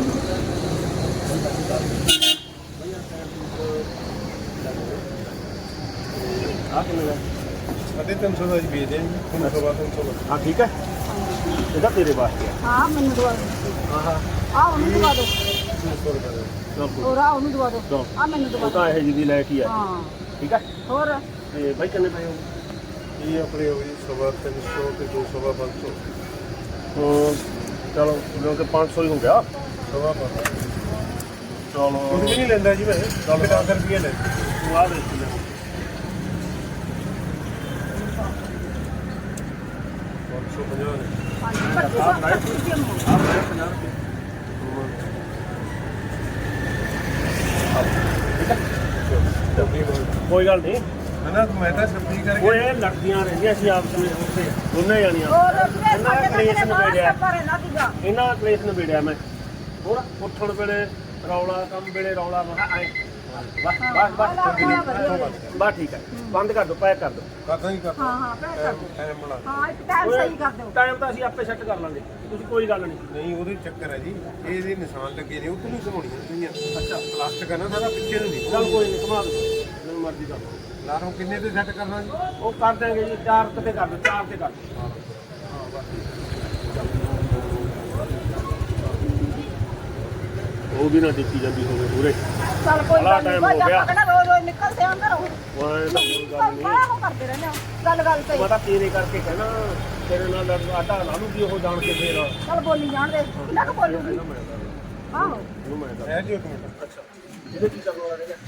Speaker 2: ਆ ਕਿੰਨੇ ਦਾ
Speaker 6: ਸਾਢੇ ਤਿੰਨ ਸੌ ਦਾ ਜੀ ਵੇਚਦੇ ਹਾਂ ਜੀ ਤਿੰਨ ਸੌ ਬਾਅਦ ਤਿੰਨ ਸੌ ਦਾ।
Speaker 2: ਹਾਂ ਠੀਕ ਹੈ ਇਹਦਾ ਤੇਰੇ ਵਾਸਤੇ ਆ।
Speaker 5: ਹਾਂ ਮੈਨੂੰ ਦਵਾ ਦਿਓ।
Speaker 2: ਹਾਂ ਹਾਂ
Speaker 5: ਆ ਉਹਨੂੰ ਦਵਾ ਦਿਓ।
Speaker 6: ਤਿੰਨ ਸੌ ਰੁਪਏ ਦਾ।
Speaker 2: ਚਲ
Speaker 5: ਹੋਰ ਆ ਉਹਨੂੰ ਦਵਾ ਦਿਓ।
Speaker 2: ਦੋ
Speaker 5: ਆ ਮੈਨੂੰ ਦਵਾ
Speaker 2: ਉਹ
Speaker 5: ਦਿਓ।
Speaker 2: ਤਾਂ ਇਹ ਜਿਹੀ ਲੈ ਕੇ ਆ
Speaker 5: ਹਾਂ
Speaker 2: ਠੀਕ ਹੈ।
Speaker 5: ਹੋਰ
Speaker 2: ਤੇ ਬਾਈ ਕਿੰਨੇ ਪਏ ਹੋ?
Speaker 6: ਇਹ ਆਪਣੇ ਹੋ ਜੀ ਸਵਾ ਤਿੰਨ ਸੌ ਤੇ ਦੋ ਸਵਾ ਪੰਜ ਸੌ
Speaker 2: ਹਾਂ ਚਲੋ ਕਿਉਂਕਿ ਪੰਜ ਸੌ ਹੀ ਹੋ ਗਿਆ।
Speaker 6: ਸਵਾ ਪੰਜ
Speaker 2: ਚਲੋ
Speaker 6: ਕੁਝ ਵੀ ਨਹੀਂ ਲੈਂਦਾ ਜੀ ਮੈਂ ਦਸ ਦਸ ਰੁਪਏ ਲੈ
Speaker 2: ਤੂੰ ਆ ਦੇਖ ਲੈ
Speaker 6: ਪੰਜ ਸੌ ਪੰਜਾਹ ਨੇ
Speaker 5: ਪੱਚੀ ਸੌ ਪੱਚੀ ਰੁਪਏ ਮੋ।
Speaker 2: ਆ ਮੈਂ ਪੰਜਾਹ ਰੁਪਏ
Speaker 6: ਡੱਬੀ ਬੋਲ
Speaker 2: ਕੋਈ ਗੱਲ ਨਹੀਂ।
Speaker 6: ਨਾ ਮੈਂ ਤਾਂ ਸਬਜ਼ੀ ਕਰਕੇ
Speaker 2: ਉਹ ਇਹ ਲੜਦੀਆਂ ਰਹਿੰਦੀਆਂ ਸੀ ਆਪਸ ਵਿੱਚ ਉੱਥੇ ਦੋਨੇ ਜਾਣੀਆਂ।
Speaker 5: ਹੋਰ ਵੀਰੇ
Speaker 2: ਇਹਨਾਂ
Speaker 5: ਸਾਡੇ
Speaker 2: ਕਲੇਸ਼
Speaker 5: ਨਾਲ
Speaker 2: ਨਿਬੇੜਿਆ
Speaker 5: ਪਰ ਨਾ ਦੀਗਾ।
Speaker 2: ਇਹਨਾਂ ਦਾ ਕਲੇਸ਼ ਨਿਬੇੜਿਆ ਮੈਂ। ਹੋਰ ਉੱਠਣ ਵੇਲੇ ਰੌਲਾ ਕੰਮ ਵੇਲੇ ਰੌਲਾ ਮੈਂ ਕਿਹਾ ਐਂ ਬਸ ਬਸ ਬਸ ਬਸ ਠੀਕ ਹੈ ਬੰਦ ਕਰ ਦੋ ਪੈਕ ਕਰ ਦੋ।
Speaker 6: ਕਰਦਾ ਹੀ ਕਰਦਾ
Speaker 5: ਹਾਂ ਹਾਂ ਪੈਕ ਕਰ ਦਿਓ।
Speaker 6: ਟਾਈਮ ਬਣਾ
Speaker 5: ਹਾਂ ਇੱਕ ਟਾਈਮ ਸਹੀ ਕਰ ਦਿਓ।
Speaker 2: ਟਾਈਮ ਤਾਂ ਅਸੀਂ ਆਪੇ ਸੈੱਟ ਕਰ ਲਾਂਗੇ ਤੁਸੀਂ ਕੋਈ ਗੱਲ ਨਹੀਂ।
Speaker 6: ਨਹੀਂ ਉਹਦੇ ਚੱਕਰ ਹੈ ਜੀ ਇਹ ਇਹਦੇ ਨਿਸ਼ਾਨ ਲੱਗੇ ਨੇ ਉਹ ਤੋਂ ਨਹੀਂ ਘਮਾਉਣੀਆਂ ਚਾਹੀਦੀਆਂ। ਅੱਛਾ ਪਲਾਸਟਿਕ ਹੈ ਨਾ ਸਾਰਾ ਪਿੱਛੇ ਨੂੰ ਨਹੀਂ
Speaker 2: ਚੱਲ ਕੋਈ ਨਹੀਂ ਘੁਮਾ ਦੋ ਜਿਵੇਂ ਮਰਜ਼ੀ ਕਰ ਲਓ।
Speaker 6: ਲਾਰੋਂ ਕਿੰਨੇ ਤੇ ਸੈੱਟ ਕਰਨਾ ਜੀ
Speaker 2: ਉਹ ਕਰ ਦੇਂਗੇ ਜੀ ਚਾਰ ਕਿਤੇ ਕਰ ਦੋ ਚਾਰ ਤੇ ਕਰ ਦਿਓ। ਉਹ ਵੀ ਨਾ ਦਿੱਤੀ ਜਾਂਦੀ ਹੋਵੇ ਪੂਰੇ
Speaker 5: ਚੱਲ ਕੋਈ
Speaker 2: ਬੜਾ
Speaker 5: ਗੱਲ ਨਹੀਂ
Speaker 2: time ਹੋ
Speaker 5: ਭਾਈ
Speaker 2: ਗਿਆ।
Speaker 5: ਆਪਾਂ ਕਹਿੰਦਾ ਰੋਜ਼ ਰੋਜ਼ ਨਿਕਲਦੇ ਆਂ ਘਰੋਂ।
Speaker 2: ਵਾਹ ਤਾਂ ਕੋਈ ਗੱਲ ਨਹੀਂ।
Speaker 5: ਬੜਾ ਉਹ ਕਰਦੇ ਰਹਿੰਦੇ ਆ ਗੱਲ ਗੱਲ ਤੇ।
Speaker 2: ਮੈਂ ਤਾਂ ਤੇਰੇ ਕਰਕੇ ਕਹਿਣਾ ਤੇਰੇ ਨਾਲ ਆਟਾ ਲਾ ਲੂਗੀ ਉਹ ਜਾਣ ਕੇ ਫੇਰ
Speaker 5: ਚੱਲ ਬੋਲੀ ਜਾਣ ਦੇ ਕਿੰਨਾ ਕੁ ਬੋਲੂਗੀ।
Speaker 2: ਮੈਂ ਦੱਸ
Speaker 5: ਆਹੋ
Speaker 2: ਇਹਨੂੰ ਮੈਂ ਦੱਸ
Speaker 6: ਹੈ ਜੀ ਇੱਕ ਮਿੰਟ
Speaker 2: ਅੱਛਾ ਇਹਦੇ ਕੀ ਕਰਨ ਵਾਲਾ ਹੈਗਾ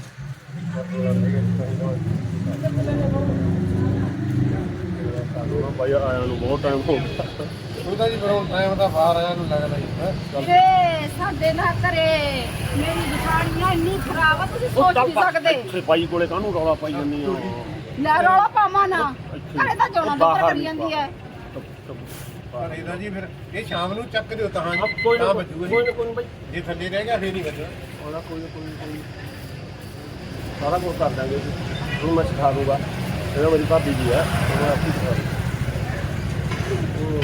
Speaker 2: ਸਾਨੂੰ ਨਾ ਭਾਈ ਆਇਆ ਨੂੰ ਬਹੁਤ ਟਾਈਮ ਹੋ ਗਿਆ।
Speaker 6: ਉਹਦਾ ਜੀ ਫਿਰ ਹੁਣ ਟਾਈਮ ਤਾਂ ਬਾਹਰ ਆਇਆ ਨੂੰ ਲੱਗਦਾ ਜੀ ਹੈ
Speaker 5: ਵੀਰੇ ਸਾਡੇ ਨਾਲ ਘਰੇ ਮੇਰੀ ਦਿਖਾਣੀਆਂ ਇੰਨੀ ਖਰਾਬ ਆ ਤੁਸੀਂ ਸੋਚ ਨਹੀਂ ਸਕਦੇ।
Speaker 2: ਇੱਥੇ ਬਾਈ ਕੋਲੇ ਕਾਹਨੂੰ ਰੌਲਾ ਪਾਈ ਜਾਂਦੀ ਆ
Speaker 5: ਲੈ ਰੌਲਾ ਪਾਵਾਂ ਨਾ
Speaker 2: ਇੱਥੇ।
Speaker 5: ਘਰੇ ਤਾਂ ਜਾਣਾ
Speaker 2: ਬਾਹਰ
Speaker 5: ਤੇ ਕਰੀ
Speaker 2: ਨਹੀਂ
Speaker 5: ਜਾਂਦੀ ਹੈ।
Speaker 6: ਪਰ ਇਹਦਾ ਜੀ ਫਿਰ ਇਹ ਸ਼ਾਮ ਨੂੰ ਚੱਕ ਦਿਓ ਤਾਂ
Speaker 2: ਆਹ
Speaker 6: ਜੀ
Speaker 2: ਕੋਈ ਨਾ
Speaker 6: ਤਾਂ
Speaker 2: ਕੋਈ
Speaker 6: ਬਚੂਗਾ
Speaker 2: ਨਾ
Speaker 6: ਜੀ
Speaker 2: ਕੋਈ ਨਾ ਬਾਈ
Speaker 6: ਜੇ ਥੱਲੇ ਰਹਿ ਗਿਆ ਫੇਰ ਨਹੀਂ ਬਚਣਾ
Speaker 2: ਉਹਦਾ ਕੋਈ ਨਾ ਕੋਈ ਨਾ ਕੋਈ ਸਾਰਾ ਕੁਝ ਕਰ ਦਾਂਗੇ ਜੀ। ਹੁਣ ਮੈਂ ਸਿਖਾ ਦੂੰਗਾ ਇਹਨਾਂ ਮੇਰੀ ਭਾਬੀ ਜੀ ਆ ਉਹਨਾਂ ਆਪੀ ਸਿਖਾ ਦੂੰ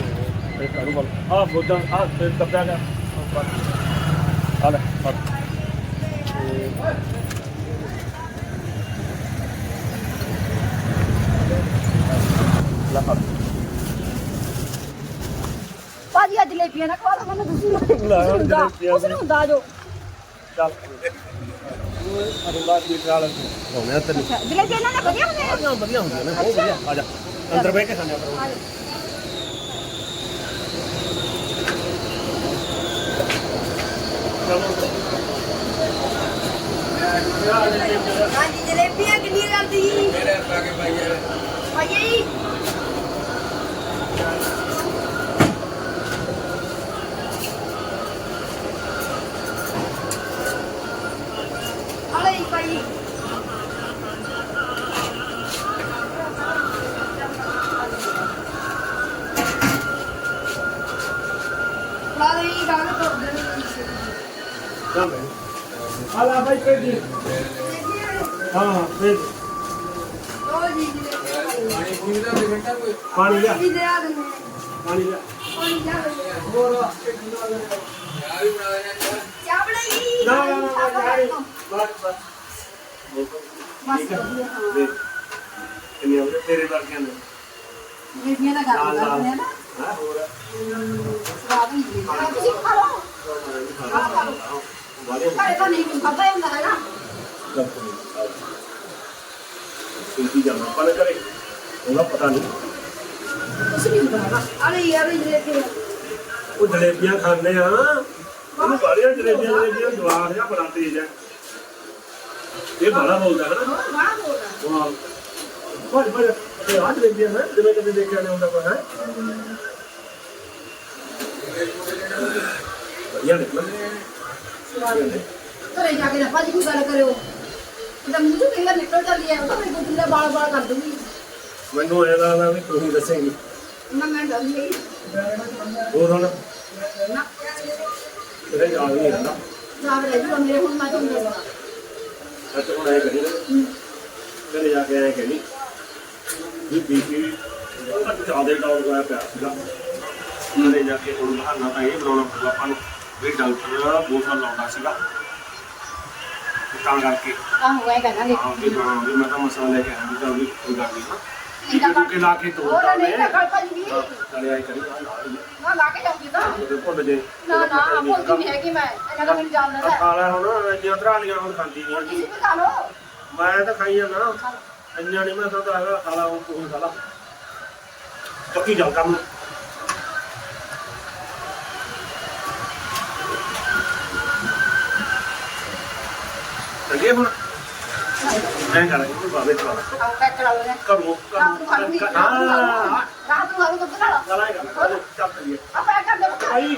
Speaker 2: ਇਹ ਕਾਰੂ ਬਲ ਆ ਬੋਦਾਂ ਆ ਤੇ ਦੱਬਿਆ ਗਿਆ ਆ ਲੈ ਫੜ ਲੈ ਫੜ
Speaker 4: ਭਾਜੀ ਅੱਜ ਜਲੇਬੀਆਂ ਨਾ ਖਵਾ ਲਓ ਮੈਨੂੰ ਤੁਸੀਂ
Speaker 2: ਲੈ ਹੁਣ ਜਲੇਬੀਆਂ
Speaker 4: ਉਸ ਨੂੰ ਹੁੰਦਾ ਜੋ
Speaker 2: ਚੱਲ ਅਰੁਣਾ ਦੀ ਨਾਲ ਹੋਣਾ ਤੈਨੂੰ
Speaker 4: ਜਲੇਬੀਆਂ ਇਹਨਾਂ ਨੇ ਵਧੀਆ ਹੁੰਦੀਆਂ
Speaker 2: ਵਧੀਆ ਵਧੀਆ ਹੁੰਦੀਆਂ ਨੇ ਬਹੁਤ ਵਧੀਆ ਆ ਜਾ ਅੰਦਰ ਬਹਿ ਕੇ ਖਾਣੇ ਪਰ
Speaker 1: ਹਾਂਜੀ ਜਲੇਬੀਆਂ ਕਿੰਨੀਆਂ ਕਰਦੀ ਜੀ
Speaker 6: ਮੇਰੇ ਪਾ ਕੇ ਪਾਈ ਯਾਰ
Speaker 1: ਭਾਈਆ ਜੀ ਆਲੇ ਭਾਈ ਲਾਲੀ ਗੱਲ ਕਰ ਦੇ
Speaker 2: ਚੱਲ ਬਈ ਆ ਲੈ ਬਾਈ ਪੇਜ ਹਾਂ ਹਾਂ ਪੇਜ
Speaker 1: ਲੋ ਜੀ ਜਲੇਬੀਆਂ
Speaker 6: ਪਾਣੀ ਪੂਣੀ ਦਾ ਦੇ ਘੰਟਾ ਕੋਈ
Speaker 2: ਪਾਣੀ ਲਿਆ
Speaker 1: ਜੀ ਦੇ ਆ ਦਿੰਦੇ
Speaker 2: ਪਾਣੀ ਲਿਆ
Speaker 1: ਪਾਣੀ ਲਿਆ ਦਿੰਦੇ
Speaker 2: ਹੋਰ
Speaker 6: ਯਾਰ ਵੀ ਬਣਾ ਦੇਣਾ
Speaker 1: ਚਾਹ ਬਣਾਈ
Speaker 2: ਨਾ ਨਾ ਨਾ ਯਾਰ ਬਸ ਬਸ
Speaker 1: ਬਸ ਵਧੀਆ ਹਾਂ
Speaker 2: ਦੇਖ ਕਿੰਨੇ ਉਹਦੇ ਤੇਰੇ ਵਰਗਿਆਂ ਨੇ
Speaker 1: ਜਲੇਬੀਆਂ ਦਾ ਗੱਲ ਕਰਦੇ ਆ ਨਾ
Speaker 2: ਹਾਂ ਹੋਰ
Speaker 1: ਸਵਾਦ ਹੁੰਦੀ ਹੈ ਤੁਸੀਂ ਖਾ ਲਓ
Speaker 2: ਵਾਲੇ
Speaker 1: ਘਰੇ ਤਾਂ ਨਹੀਂ ਖਾਦਾ ਹੁੰਦਾ ਹੈ ਨਾ
Speaker 2: ਕੀ ਜਾਣਾ ਪਨ ਕਰੇ ਉਹਦਾ ਪਤਾ ਨਹੀਂ
Speaker 1: ਕੁਛ ਨਹੀਂ ਹੁੰਦਾ ਅਰੇ ਯਾਰ ਜਲੇਬੀ
Speaker 2: ਉਹ ਜਲੇਬੀਆਂ ਖਾਂਦੇ ਆ ਉਹਨੂੰ ਬਾਹਲੀਆਂ ਜਲੇਬੀਆਂ ਜਲੇਬੀਆਂ ਜਵਾਰ ਜਾਂ ਬੜਾ ਤੇਜ ਹੈ ਇਹ ਬੜਾ ਬੋਲਦਾ ਹੈ ਨਾ
Speaker 1: ਬਾਹਰ ਬੋਲਦਾ
Speaker 2: ਵਾਹ ਬਹੁਤ ਬਹੁਤ ਇਹ ਆਜ ਜਲੇਬੀਆਂ ਹੈ ਜਿਵੇਂ ਕਦੇ ਦੇਖਿਆ ਨਹੀਂ ਹੁੰਦਾ ਕੋਈ ਹੈ ਵਧੀਆ ਨਿਕਲ
Speaker 1: ਘਰੇ ਜਾ ਕੇ ਨਾ ਭਾਜੀ ਕੋਈ ਗੱਲ ਕਰਿਓ ਇਹਦਾ ਮੂੰਹ ਤੋਂ ਕਿੰਨਾ ਨਿਕਲ ਜਾਂਦੀ ਹੈ ਉਹ ਤਾਂ ਮੇਰੇ ਕੋਲ ਬਾਲ ਬਾਲ ਕਰ ਦੂੰਗੀ
Speaker 2: ਮੈਨੂੰ ਇਹ ਲੱਗਦਾ ਵੀ ਤੂੰ ਹੀ ਦੱਸੇਂਗੀ
Speaker 1: ਨਾ ਮੈਂ ਡਰਦੀ ਨਹੀਂ
Speaker 2: ਹੋਰ ਹੁਣ
Speaker 1: ਨਾ
Speaker 2: ਤੇਰੇ ਯਾਦ ਨਹੀਂ ਆਉਂਦਾ
Speaker 1: ਸਾਬ ਰਹਿ ਜੂ ਮੇਰੇ ਹੁਣ ਮੈਂ ਤੁਹਾਨੂੰ ਦੱਸਦਾ
Speaker 2: ਅੱਜ ਹੁਣ ਆਏ ਕਰੀ ਨਾ ਘਰੇ ਜਾ ਕੇ ਆਏ ਕਰੀ ਵੀ ਬੀਪੀ ਜ਼ਿਆਦਾ ਡਾਊਨ ਹੋਇਆ ਪਿਆ ਸੀਗਾ ਘਰੇ ਜਾ ਕੇ ਹੁਣ ਬਹਾਨਾ ਤਾਂ ਇਹ ਬਣਾਉਣਾ ਪਊਗਾ ਆਪਾਂ ਨੂੰ ਵੀ ਡਾਕਟਰ ਬੋਤਲ ਲਾਉਂਦਾ ਸੀਗਾ ਤਾਂ ਕਰਕੇ
Speaker 1: ਆਹੋ ਇਹ ਕਹਾਂਗੇ
Speaker 2: ਹਾਂ ਵੀ ਹਾਂ ਵੀ ਮੈਂ ਤਾਂ ਮਸਾਲਾ ਲੈ ਕੇ ਆਇਆ ਵੀ ਚੱਲ ਵੀ ਕੋਈ ਗੱਲ ਨਹੀਂ ਨਾ ਇਹ ਕੇ ਲਾ ਕੇ ਤੋੜਦਾ
Speaker 1: ਹੋਰ ਨਹੀਂ
Speaker 2: ਮੈਂ
Speaker 1: ਤਾਂ ਭਾਜੀ
Speaker 2: ਚਲੇ ਆਏ ਕਰੀ ਆ ਲਾ ਲਈ
Speaker 1: ਨਾ ਲਾ ਕੇ ਜਾਊਂਗੀ ਤਾਂ
Speaker 2: ਉਹਦੇ ਭੁੱਲ ਜੇ
Speaker 1: ਨਾ ਨਾ ਭੁੱਲਦੀ ਨਹੀਂ ਹੈਗੀ ਮੈਂ ਇਹਨਾਂ ਦਾ ਮੈਨੂੰ ਜਾਣਦਾ ਹੈ
Speaker 2: ਖਾ ਲੈ ਹੁਣ ਇੰਨੀਆਂ ਧਰਾਲੀਆਂ ਹੁਣ ਖਾਂਦੀ ਨਹੀਂ
Speaker 1: ਤੁਸੀਂ ਵੀ ਖਾ ਲਓ
Speaker 2: ਮੈਂ ਤਾਂ ਖਾਈ ਜਾਂਦਾ ਇੰਨੀਆਂ ਨਹੀਂ ਮੈਂ ਤਾਂ ਹੈਗਾ ਖਾ ਲਾ ਹੁਣ ਤੂੰ ਖਾ ਲਾ ਚੱਕੀ ਜਾ ਕੰਮ ਚੰਗੇ ਹੁਣ ਮੈਂ ਕਰਾਂਗਾ ਕੋਈ ਬਾਬੇ ਚਲਾ
Speaker 1: ਆਓ ਪੈਕ ਕਰਾ ਲਓ
Speaker 2: ਕਰੋ
Speaker 1: ਰਾਤ ਨੂੰ ਖਾ ਲੂੰਗੀ
Speaker 2: ਕਰੋ ਹਾਂ
Speaker 1: ਰਾਤ ਨੂੰ ਖਾ ਲੂੰ ਦੁੱਧ ਨਾਲ
Speaker 2: ਚਲਾਏਗਾ ਚੱਲ ਕਰੀਏ
Speaker 1: ਆ ਪੈਕ ਕਰ ਦੇ
Speaker 2: ਭਾਈ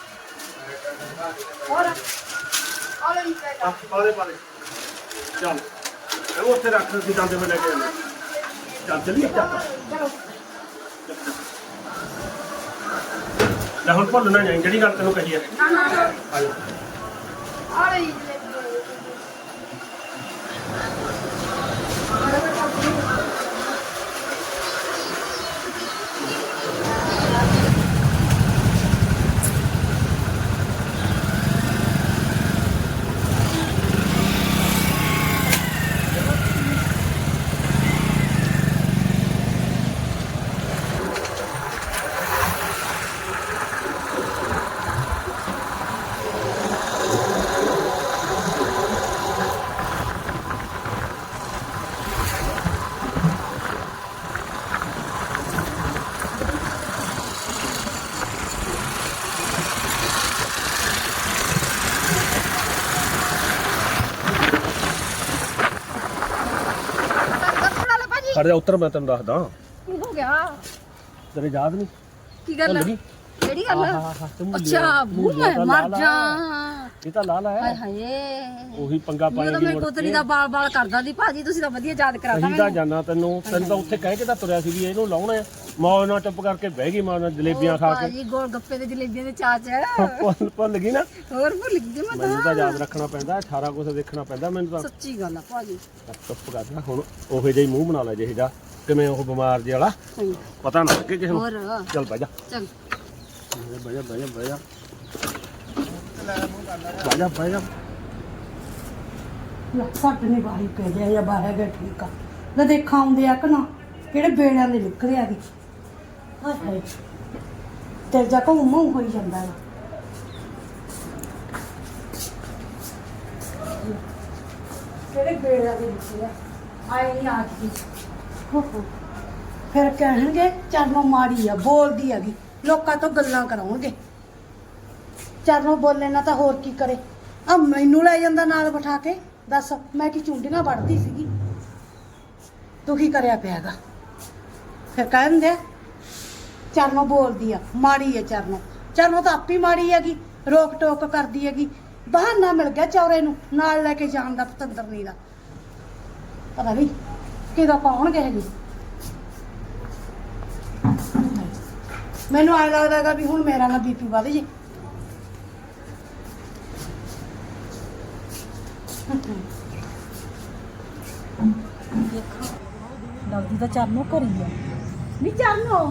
Speaker 1: ਹੋਰ ਆ ਲੈ ਪੈਕ
Speaker 2: ਆ ਪਾਲੇ ਪਾਲੇ ਚੱਲ ਇਹ ਉੱਥੇ ਰੱਖ ਸੀ ਜਾਂਦੇ ਮੈਂ ਲੈ ਕੇ ਆਉਂਦਾ ਚੱਲ ਚੱਲੀਏ ਚੱਲ
Speaker 1: ਚਲੋ
Speaker 2: ਲੈ ਹੁਣ ਭੁੱਲ ਨਾ ਜਾਈਂ ਜਿਹੜੀ ਗੱਲ ਤੈਨੂੰ ਕਹੀ ਹੈ
Speaker 1: ਨਾ ਨਾ
Speaker 2: ਆ ਜਾ
Speaker 1: ਆ ਲੈ
Speaker 2: ਖੜ ਜਾ ਉੱਤਰ ਮੈਂ ਤੈਨੂੰ ਦੱਸਦਾ
Speaker 4: ਕੀ ਹੋ ਗਿਆ
Speaker 2: ਤੇਰੇ ਯਾਦ ਨਹੀਂ
Speaker 4: ਕੀ ਗੱਲ
Speaker 2: ਭੁੱਲ ਗਈ?
Speaker 4: ਕਿਹੜੀ ਗੱਲ
Speaker 2: ਆਹ ਤੂੰ
Speaker 4: ਅੱਛਾ ਭੂਲ ਮੈਂ ਮਰ ਜਾ
Speaker 2: ਇਹ ਤਾਂ ਲਾਲ
Speaker 4: ਹਾਏ
Speaker 2: ਹੈ
Speaker 4: ਹਾਏ
Speaker 2: ਉਹੀ ਪੰਗਾ
Speaker 4: ਮੈਂ
Speaker 2: ਪਾਣੀ
Speaker 4: ਤਾਂ
Speaker 2: ਦੀ
Speaker 4: ਮੇਰੇ
Speaker 2: ਮੁੜ
Speaker 4: ਕੋਤਰੀ
Speaker 2: ਕੇ
Speaker 4: ਦਾ ਬਾਲ ਬਾਲ ਕਰਦਾ ਦੀ ਭਾਜੀ ਤੁਸੀਂ ਤਾਂ ਵਧੀਆ ਯਾਦ ਕਰਾਤਾ
Speaker 2: ਅਸੀਂ ਤਾਂ
Speaker 4: ਮੈਨੂੰ
Speaker 2: ਜਾਣਾ ਤੈਨੂੰ ਤੈਨੂੰ ਤਾਂ ਉੱਥੇ ਕਹਿ ਕੇ ਤਾਂ ਤੁਰਿਆ ਸੀ ਵੀ ਇਹਨੂੰ ਲਾਉਣਾ ਹੈ ਮੌਜ ਨਾਲ ਚੁੱਪ ਕਰਕੇ ਬਹਿ ਗਈ ਮਾਂ ਨਾਲ ਜਲੇਬੀਆਂ ਖਾ ਕੇ
Speaker 4: ਭਾਜੀ ਗੋਲ ਗੱਪੇ ਤੇ ਜਲੇਬੀਆਂ ਦੇ ਚਾਚ
Speaker 2: ਭੁੱਲ ਭੁੱਲ ਗਈ ਨਾ
Speaker 4: ਹੋਰ ਭੁੱਲ ਗਈ ਮੈਂ
Speaker 2: ਮੈਨੂੰ
Speaker 4: ਤਾਂ
Speaker 2: ਤਾਂ ਯਾਦ ਰੱਖਣਾ ਪੈਂਦਾ ਅਠਾਰਾਂ ਕੁਛ ਦੇਖਣਾ ਪੈਂਦਾ ਮੈਨੂੰ ਤਾਂ
Speaker 4: ਸੱਚੀ ਗੱਲ ਆ ਭਾਜੀ
Speaker 2: ਚੁੱਪ ਕਰਦਾ ਹੁਣ ਉਹੋ ਜਿਹਾ ਹੀ ਮੂੰਹ ਬਣਾ ਲੈ ਜਿਹੇ ਜਾ ਕਿਵੇਂ ਉਹ ਬਿਮਾਰ ਜਿਹਾ ਵਾਲਾ
Speaker 4: ਹੂੰ।
Speaker 2: ਪਤਾ ਨਾ ਲੱਗੇ ਕਿਸੇ ਨੂੰ
Speaker 4: ਹੋਰ
Speaker 2: ਚੱਲ ਬਹਿ ਜਾ
Speaker 4: ਚਲ
Speaker 2: ਬਹਿ ਜਾ ਬਹਿ ਜਾ ਬਹਿ ਜਾ ਬਹਿ ਜਾ ਬਹਿ ਜਾ
Speaker 1: ਲੈ ਸੱਟ ਨਹੀਂ ਬਾਹੀ ਪੈ ਗਿਆ ਜਾਂ ਬਾਹਰ ਗਿਆ ਠੀਕ ਆ ਲੈ ਦੇਖਾਂ ਆਉਂਦੇ ਆ ਕਿ ਨਾ ਕਿਹੜੇ ਬੇੜਿਆਂ ਦੇ ਨਿਕਲੇ ਆ ਗਏ ਹਾਏ ਹਾਏ ਤੇ ਜਾ ਕੋ ਮੂੰਹ ਹੋਈ ਜਾਂਦਾ ਹੈ ਕਿਹੜੇ ਬੇੜਿਆਂ ਦੇ ਨਿਕਲੇ ਆ ਆਏ ਨਹੀਂ ਅੱਜ ਦੀ ਹੋ ਹੋ ਫਿਰ ਕਹਿਣਗੇ ਚਰਨੋਂ ਮਾੜੀ ਆ ਬੋਲਦੀ ਹੈਗੀ ਲੋਕਾਂ ਤੋਂ ਗੱਲਾਂ ਕਰਾਉਣਗੇ ਚਰਨੋਂ ਬੋਲੇ ਨਾ ਤਾਂ ਹੋਰ ਕੀ ਕਰੇ ਆ ਮੈਨੂੰ ਲੈ ਜਾਂਦਾ ਨਾਲ ਬਿਠਾ ਕੇ ਦੱਸ ਮੈਂ ਕੀ ਚੁੰਡੀਆਂ ਵੜਦੀ ਸੀਗੀ ਤੂੰ ਕੀ ਕਰਿਆ ਪਿਆਗਾ ਫਿਰ ਕਹਿੰਦੇ ਚਰਨੋਂ ਬੋਲਦੀ ਆ ਮਾੜੀ ਆ ਚਰਨੋਂ ਚਰਨੋਂ ਤਾਂ ਆਪੀ ਮਾੜੀ ਹੈਗੀ ਰੋਕ ਟੋਕ ਕਰਦੀ ਹੈਗੀ ਬਹਾਨਾ ਮਿਲ ਗਿਆ ਚੌਰੇ ਨੂੰ ਨਾਲ ਲੈ ਕੇ ਜਾਣ ਦਾ ਪਤੰਦਰਨੀ ਦਾ ਪਤਾ ਨਹੀਂ ਕਿਹਦਾ ਪਾਉਣਗੇ ਹੈਗੀ ਮੈਨੂੰ ਐਂ ਲੱਗਦਾਗਾ ਵੀ ਹੁਣ ਮੇਰਾ ਨਾ ਬੀਪੀ ਵੱਧ ਜੇ
Speaker 5: ਲੱਗਦੀ ਤਾਂ ਚਰਨੋਂ ਘਰੀ ਆ ਨੀ ਚਰਨੋਂ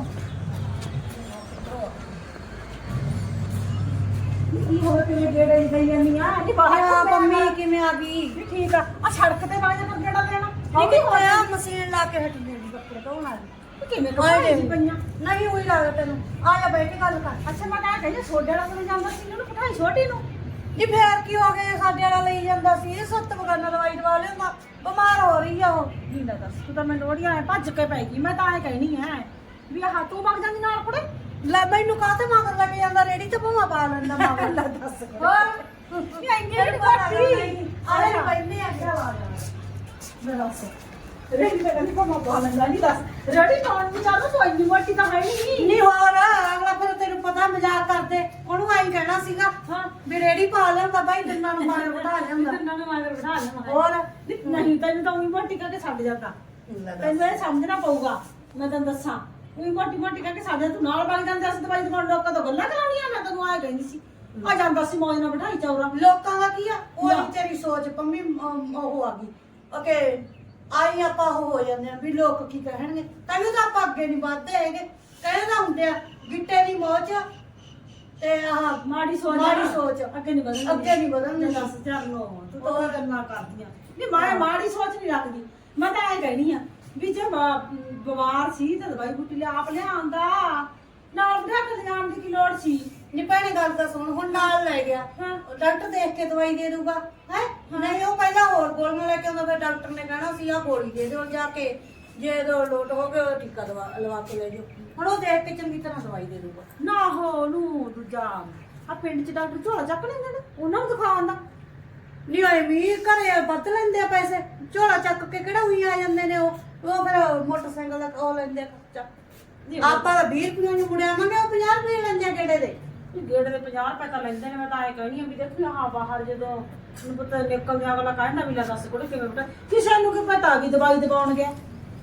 Speaker 5: ਕੀ ਹੋਵੇ ਕਿਵੇਂ ਗੇੜੇ ਗਈ ਜਾਂਦੀ ਆ ਨੀ ਬਾਹਰ
Speaker 1: ਆ
Speaker 5: ਘੁੰਮਿਆ
Speaker 1: ਮੰਮੀ
Speaker 5: ਕਰ।
Speaker 1: ਕਿਵੇਂ ਆ ਗਈ
Speaker 5: ਨੀ ਠੀਕ ਆ ਆ ਸੜਕ ਤੇ ਬਾਹਰ ਜਾ ਗੇੜਾ ਦੇਣਾ
Speaker 1: ਇਹ ਕੀ ਹੋਇਆ ਮਸ਼ੀਨ ਲਾ ਕੇ ਹਟ ਗਈ ਕੱਪੜੇ ਧੋਣ ਆ ਗਈ
Speaker 5: ਕਿਵੇਂ
Speaker 1: ਆਏ
Speaker 5: ਕਮਾਈ
Speaker 1: ਦੇਖ।
Speaker 5: ਪਈਆਂ
Speaker 1: ਨਹੀਂ ਉਹੀ ਲੱਗਦਾ ਤੈਨੂੰ ਆ ਜਾ ਬੈਠ ਕੇ ਗੱਲ ਕਰ
Speaker 5: ਅੱਛਾ ਮੈਂ ਤਾਂ ਕਹਿੰਦਾ ਸੋਡੇ ਵਾਲਾ ਕੋਲ ਜਾਂਦਾ ਸੀ ਉਹਨੂੰ ਪਠਾਈ ਛੋਟੀ ਨੂੰ
Speaker 1: ਜੀ ਫੇਰ ਕੀ ਹੋ ਗਿਆ ਸਾਡੇ ਵਾਲਾ ਲਈ ਜਾਂਦਾ ਸੀ ਇਹ ਸੱਤ ਬਗਾਨਾ ਦਵਾਈ ਦਵਾ ਲਿਆਂਦਾ ਬਿਮਾਰ ਹੋ ਰਹੀ ਆ ਉਹ
Speaker 5: ਨਹੀਂ ਦਾ ਦੱਸ ਤੂੰ ਤਾਂ ਮੈਨੂੰ ਲੋੜੀਆਂ ਐ ਭੱਜ ਕੇ ਪੈ ਗਈ ਮੈਂ ਤਾਂ ਐ ਕਹਿਣੀ ਐ ਵੀ ਆਹ ਤੂੰ ਵਗ ਜਾਂਦੀ ਨਾਲ ਕੁੜੇ
Speaker 1: ਲੈ ਮੈਨੂੰ ਕਾਹਤੇ ਮਗਰ ਲੈ ਕੇ ਜਾਂਦਾ ਰੇੜੀ ਤੇ ਭੂਆ ਪਾ ਲੈਂਦਾ ਮਗਰ ਲੈ ਦੱਸ ਹੋਰ
Speaker 5: ਨਹੀਂ ਇੰਨੀ ਵੀ ਘੱਟੀ
Speaker 1: ਆਲੇ ਪੈਨੇ ਆ ਗਿਆ ਵਾ
Speaker 5: ਮੈਂ ਦੱਸ ਰੇੜੀ ਤੇ ਕਹਿੰਦੀ ਕੋ ਪਾ ਲੈਂਦਾ ਨਹੀਂ ਦੱਸ ਰੇੜੀ ਪਾਉਣ ਨੂੰ ਚਾਹਦਾ ਤੂੰ ਇੰਨੀ ਮੋਟੀ ਤਾਂ ਹੈ ਨਹੀਂ
Speaker 1: ਨਹੀਂ ਹੋਰ ਅਗਲਾ ਫਿਰ ਤੈਨੂੰ ਪਤਾ ਮਜ਼ਾਕ ਕਰਦੇ ਉਹਨੂੰ ਆਈ ਕਹਿਣਾ ਸੀਗਾ
Speaker 5: ਹਾਂ
Speaker 1: ਵੀ ਰੇੜੀ ਪਾ ਲੈਂਦਾ ਬਾਈ ਦਿਨਾਂ ਨੂੰ ਮਾਰ ਬਿਠਾ ਜਾਂਦਾ
Speaker 5: ਤਿੰਨਾਂ ਨੂੰ ਮਾਗਰ ਬਿਠਾ ਲੈਣਾ
Speaker 1: ਹੋਰ
Speaker 5: ਨਹੀਂ ਤੈਨੂੰ ਤਾਂ ਉਹੀ ਮੋਟੀ ਕਰਕੇ ਛੱਡ ਜਾਂਦਾ ਤੈਨੂੰ ਇਹ ਸਮਝਣਾ ਪਊਗਾ ਮੈਂ ਤੈਨੂੰ ਦੱਸਾਂ ਉਹੀ ਮੋਟੀ ਮੋਟੀ ਕਰਕੇ ਸਾਡੇ ਤੂੰ ਨਾਲ ਵਗ ਜਾਂਦੇ ਅਸੀਂ ਦਵਾਈ ਦੁਕਾਨ ਲੋਕਾਂ ਤੋਂ ਗੱਲਾਂ ਕਰਾਉਣੀਆਂ ਮੈਂ ਤੈਨੂੰ ਆਏ ਕਹਿੰਦੀ ਸੀ ਆ ਜਾਂਦਾ ਸੀ ਮੌਜ ਨਾਲ ਬਿਠਾਈ ਚੌਰਾ
Speaker 1: ਲੋਕਾਂ ਦਾ ਕੀ ਆ ਉਹ
Speaker 5: ਲੈ।
Speaker 1: ਤੇਰੀ ਸੋਚ ਪੰਮੀ ਅਮ, ਉਹ ਆ ਗਈ ਓਕੇ ਆਈ ਆਪਾਂ ਉਹ ਹੋ ਜਾਂਦੇ ਆ ਵੀ ਲੋਕ ਕੀ ਕਹਿਣਗੇ ਤੈਨੂੰ ਤਾਂ ਆਪਾਂ ਅੱਗੇ ਨਹੀਂ ਵੱਧਦੇ ਹੈਗੇ ਕਹਿੰਦੇ ਤਾਂ ਹੁੰਦੇ ਆ ਗਿੱਟੇ ਦੀ ਮੌਜ ਤੇ ਆਹ
Speaker 5: ਮਾੜੀ ਸੋਚ
Speaker 1: ਮਾੜੀ ਸੋਚ
Speaker 5: ਅੱਗੇ ਨਹੀਂ ਵਧਣ
Speaker 1: ਅੱਗੇ ਨਹੀਂ ਵਧਣ
Speaker 5: ਦੱਸ ਚਰਨੋ ਤੂੰ ਤਾਂ ਉਹ ਗੱਲਾਂ ਕਰਦੀਆਂ ਨਹੀਂ ਮੈਂ ਮਾੜੀ ਸੋਚ ਨਹੀਂ ਰੱਖਦੀ ਮੈਂ ਤਾਂ ਐ ਕਹਿਣੀ ਆ ਵੀ ਜੇ ਬ- ਬਿਮਾਰ ਸੀ ਤਾਂ ਦਵਾਈ ਬੂਟੀ ਲਿਆ ਆਪ ਲਿਆਂਦਾ ਨਾਲ ਬਿਠਾ ਕੇ ਲਿਆਉਣ ਦੀ ਕੀ ਲੋੜ ਸੀ
Speaker 1: ਨੀ ਭੈਣੇ ਗੱਲ ਤਾਂ ਸੁਣ ਹੁਣ ਨਾਲ ਲੈ ਗਿਆ
Speaker 5: ਹਾਂ।
Speaker 1: ਉਹ ਡਾਕਟਰ ਦੇਖ ਕੇ ਦਵਾਈ ਦੇ ਦੂਗਾ ਹੈ ਨਹੀਂ ਉਹ ਪਹਿਲਾਂ ਹੋਰ ਗੋਲੀਆਂ ਲੈ ਕੇ ਆਉਂਦਾ ਫਿਰ ਡਾਕਟਰ ਨੇ ਕਹਿਣਾ ਸੀ ਆ ਗੋਲੀ ਦੇ ਦਿਓ ਜਾ ਕੇ ਜੇ ਦੋ ਲੋਟ ਹੋ ਗਏ ਉਹ ਟੀਕਾ ਦਵਾ ਲਵਾ ਕੇ ਲੈ ਜਾਓ ਹੁਣ ਉਹ ਦੇਖ ਕੇ ਚੰਗੀ ਤਰ੍ਹਾਂ ਦਵਾਈ ਦੇ ਦੂਗਾ
Speaker 5: ਨਾ ਹੋ ਨੂੰ ਦੂਜਾ ਆ ਪਿੰਡ ਚ ਡਾਕਟਰ ਝੋਲਾ ਚੱਕ ਲੈਂਦੇ ਨੇ ਉਹਨਾਂ ਨੂੰ ਦਿਖਾਉਣ ਦਾ
Speaker 1: ਨਹੀਂ ਆਏ ਵੀ ਘਰੇ ਵੱਧ ਲੈਂਦੇ ਆ ਪੈਸੇ ਝੋਲਾ ਚੱਕ ਕੇ ਕਿਹੜਾ ਉਹੀ ਆ ਜਾਂਦੇ ਨੇ ਉਹ ਉਹ ਫਿਰ ਮੋਟਰਸਾਈਕਲ ਦਾ ਉਹ ਲੈਂਦੇ ਆ ਖਰਚਾ ਆਪਾਂ ਤਾਂ ਵੀਹ ਰੁਪਏ ਨੂੰ ਮੁੜਿਆਵਾਂਗੇ ਉਹ ਪੰਜਾਹ ਰੁਪਏ ਲੈਂਦੇ ਆ ਗੇੜੇ ਦੇ
Speaker 5: ਗੇੜ ਦੇ ਪੰਜਾਹ ਰੁਪਏ ਤਾਂ ਲੈਂਦੇ ਨੇ ਮੈਂ ਤਾਂ ਐ ਕਹਿਣੀ ਆ ਵੀ ਦੇਖੀ ਹਾਂ ਬਾਹਰ ਜਦੋਂ ਨੂੰ ਪਤਾ ਨਿਕਲਦੇ ਅਗਲਾ ਕਹਿੰਦਾ ਵੀ ਲੈ ਦੱਸ ਕੋੜੇ ਕਿਵੇਂ ਬਟਾ ਕਿਸੇ ਨੂੰ ਕੀ ਪਤਾ ਵੀ ਦਵਾਈ ਦਵਾਉਣ ਗਿਆ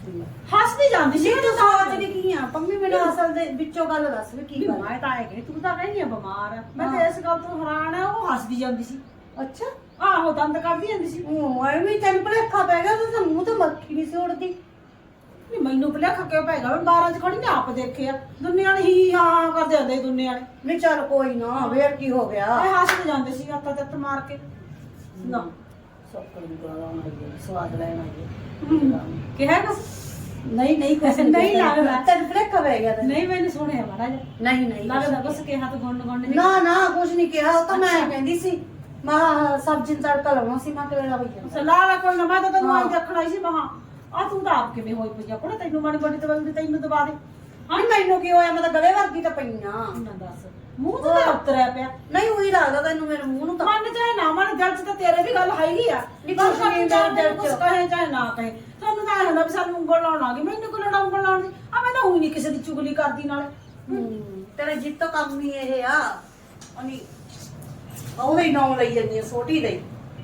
Speaker 5: ਹੱਸਦੀ ਜਾਂਦੀ ਸੀ
Speaker 1: ਤੂੰ ਸੋਚਦੀ ਕੀ ਆ ਪੰਮੀ ਮੈਨੂੰ ਅਸਲ ਦੇ ਵਿੱਚੋਂ ਗੱਲ ਦੱਸ ਵੀ ਕੀ ਗੱਲ
Speaker 5: ਮੈਂ ਤਾਂ ਐ ਕਹਿ ਤੂੰ ਤਾਂ ਕਹਿੰਦੀ ਆ ਬਿਮਾਰ ਆ ਮੈਂ ਤਾਂ ਇਸ ਗੱਲ ਤੋਂ ਹੈਰਾਨ ਆ ਉਹ ਹੱਸਦੀ ਜਾਂਦੀ ਸੀ
Speaker 1: ਅੱਛਾ
Speaker 5: ਆਹੋ ਦੰਦ ਕੱਢਦੀ ਜਾਂਦੀ ਸੀ
Speaker 1: ਉਹ ਐਵੇਂ ਤੈਨੂੰ ਭੁਲੇਖਾ ਪੈ ਗਿਆ ਉਹਦੇ ਤਾਂ ਮੂੰਹ ਤੇ ਮੱਖੀ ਨਹੀਂ ਸੀ ਉੜਦੀ
Speaker 5: ਨਹੀਂ ਮੈਨੂੰ ਭੁਲੇਖਾ ਕਿਉਂ ਪੈ ਗਿਆ ਮੈਂ ਬਾਰਾਂ ਚ ਖੜੀ ਨੇ ਆਪ ਦੇਖਿਆ ਦੁਨੀਆ ਨੇ ਹੀ ਹਾਂ ਕਰਦੇ ਹੁੰਦੇ ਸੀ ਦੁਨੀਆ ਨੇ
Speaker 1: ਨਹੀਂ ਚੱਲ ਕੋਈ ਨਾ ਵੇਰ ਕੀ ਹੋ ਗਿਆ
Speaker 5: ਐ ਹੱਸਦੇ ਜਾਂਦੇ ਸੀ ਹੱਥਾਂ ਤੇ ਹੱਥ ਮਾਰ ਕੇ ਨਾ
Speaker 1: ਸੋਕਣ ਦੀ ਗੱਲ ਆਉਣੀ ਸਵਾਦ ਲੈਣ ਆਈ
Speaker 5: ਕਿਹਾ ਕੁਛ
Speaker 1: ਨਹੀਂ ਨਹੀਂ ਕੁਛ
Speaker 5: ਨਹੀਂ ਲੱਗਦਾ।
Speaker 1: ਤੈਨੂੰ ਭੁਲੇਖਾ ਪੈ ਗਿਆ ਤੈਨੂੰ।
Speaker 5: ਨਹੀਂ ਮੈਨੂੰ ਸੁਣਿਆ ਮਾੜਾ ਜਿਹਾ
Speaker 1: ਨਹੀਂ ਨਹੀਂ
Speaker 5: ਲੱਗਦਾ ਬਸ ਕਿਹਾ ਤਾਂ ਗੁੰਨ ਗੁੰਨ
Speaker 1: ਨਾ ਨਾ ਕੁਛ ਨਹੀਂ ਕਿਹਾ ਉਹ ਤਾਂ ਮੈਂ ਕਹਿੰਦੀ ਸੀ ਮੈਂ ਸਬਜ਼ੀ ਨੂੰ ਤੜਕਾ ਲਾਉਣਾ ਸੀ ਮੈਂ ਕਿਹੜਾ ਹੋਈ ਜਾਂਦਾ
Speaker 5: ਸਲਾਹ ਕੋਈ ਨਾ ਮੈਂ ਤਾਂ ਤੈਨੂੰ ਆਈ ਦੇਖਣਾ ਸੀ ਮਹਾ ਆ ਤੂੰ ਤਾਂ ਆਪ ਕਿਵੇਂ ਹੋਈ ਪਈ ਆ ਕੋਣ ਤੈਨੂੰ ਮਾੜੀ ਮਾੜੀ ਦਵਾਈ ਦੀ ਤੈਨੂੰ ਦਵਾ ਦੇ
Speaker 1: ਹਾਂ ਮੈਨੂੰ ਕੀ ਹੋਇਆ ਮੈਂ ਤਾਂ ਗਲੇ ਵਰਗੀ ਤਾਂ ਪਈਆਂ
Speaker 5: ਨਾ ਦੱਸ ਮੂੰਹ ਤੇ ਤਾਂ ਉਤਰਿਆ ਪਿਆ
Speaker 1: ਨਹੀਂ ਉਹੀ ਲੱਗਦਾ ਤੈਨੂੰ ਮੇਰੇ ਮੂੰਹ ਨੂੰ ਤਾਂ
Speaker 5: ਮਨ ਚਾਹੇ ਨਾ ਮਨ ਦਿਲ ਚ ਤਾਂ ਤੇਰੇ ਵੀ ਗੱਲ ਹੈਗੀ ਆ
Speaker 1: ਨਹੀਂ ਕੁਛ ਨਹੀਂ ਮੇਰੇ ਦਿਲ
Speaker 5: ਕੁਛ
Speaker 1: ਚ
Speaker 5: ਕਹੇ ਚਾਹੇ ਨਾ ਕਹੇ ਤੁਹਾਨੂੰ ਤਾਂ ਐ ਹੁੰਦਾ ਵੀ ਸਾਨੂੰ ਉਂਗਲ ਲਾਉਣ ਆ ਗਈ ਮੈਨੂੰ ਕੋਲ ਲਾਉਣ ਉਂਗਲ ਲਾਉਣ ਦੀ ਆ ਮੈਂ ਤਾਂ ਉਹੀ ਨਹੀਂ ਕਿਸੇ ਦੀ ਚੁਗਲੀ ਕਰਦੀ ਨਾਲੇ
Speaker 1: ਹੂੰ, ਤੇਰੇ ਜਿੱਤੋਂ ਕੰਮ ਹੀ ਇਹ ਆ ਅਨੀ ਉਹਦੇ ਨਾਮ ਲਈ ਜਾਂਦੀ ਆ ਛੋਟੀ ਦੇ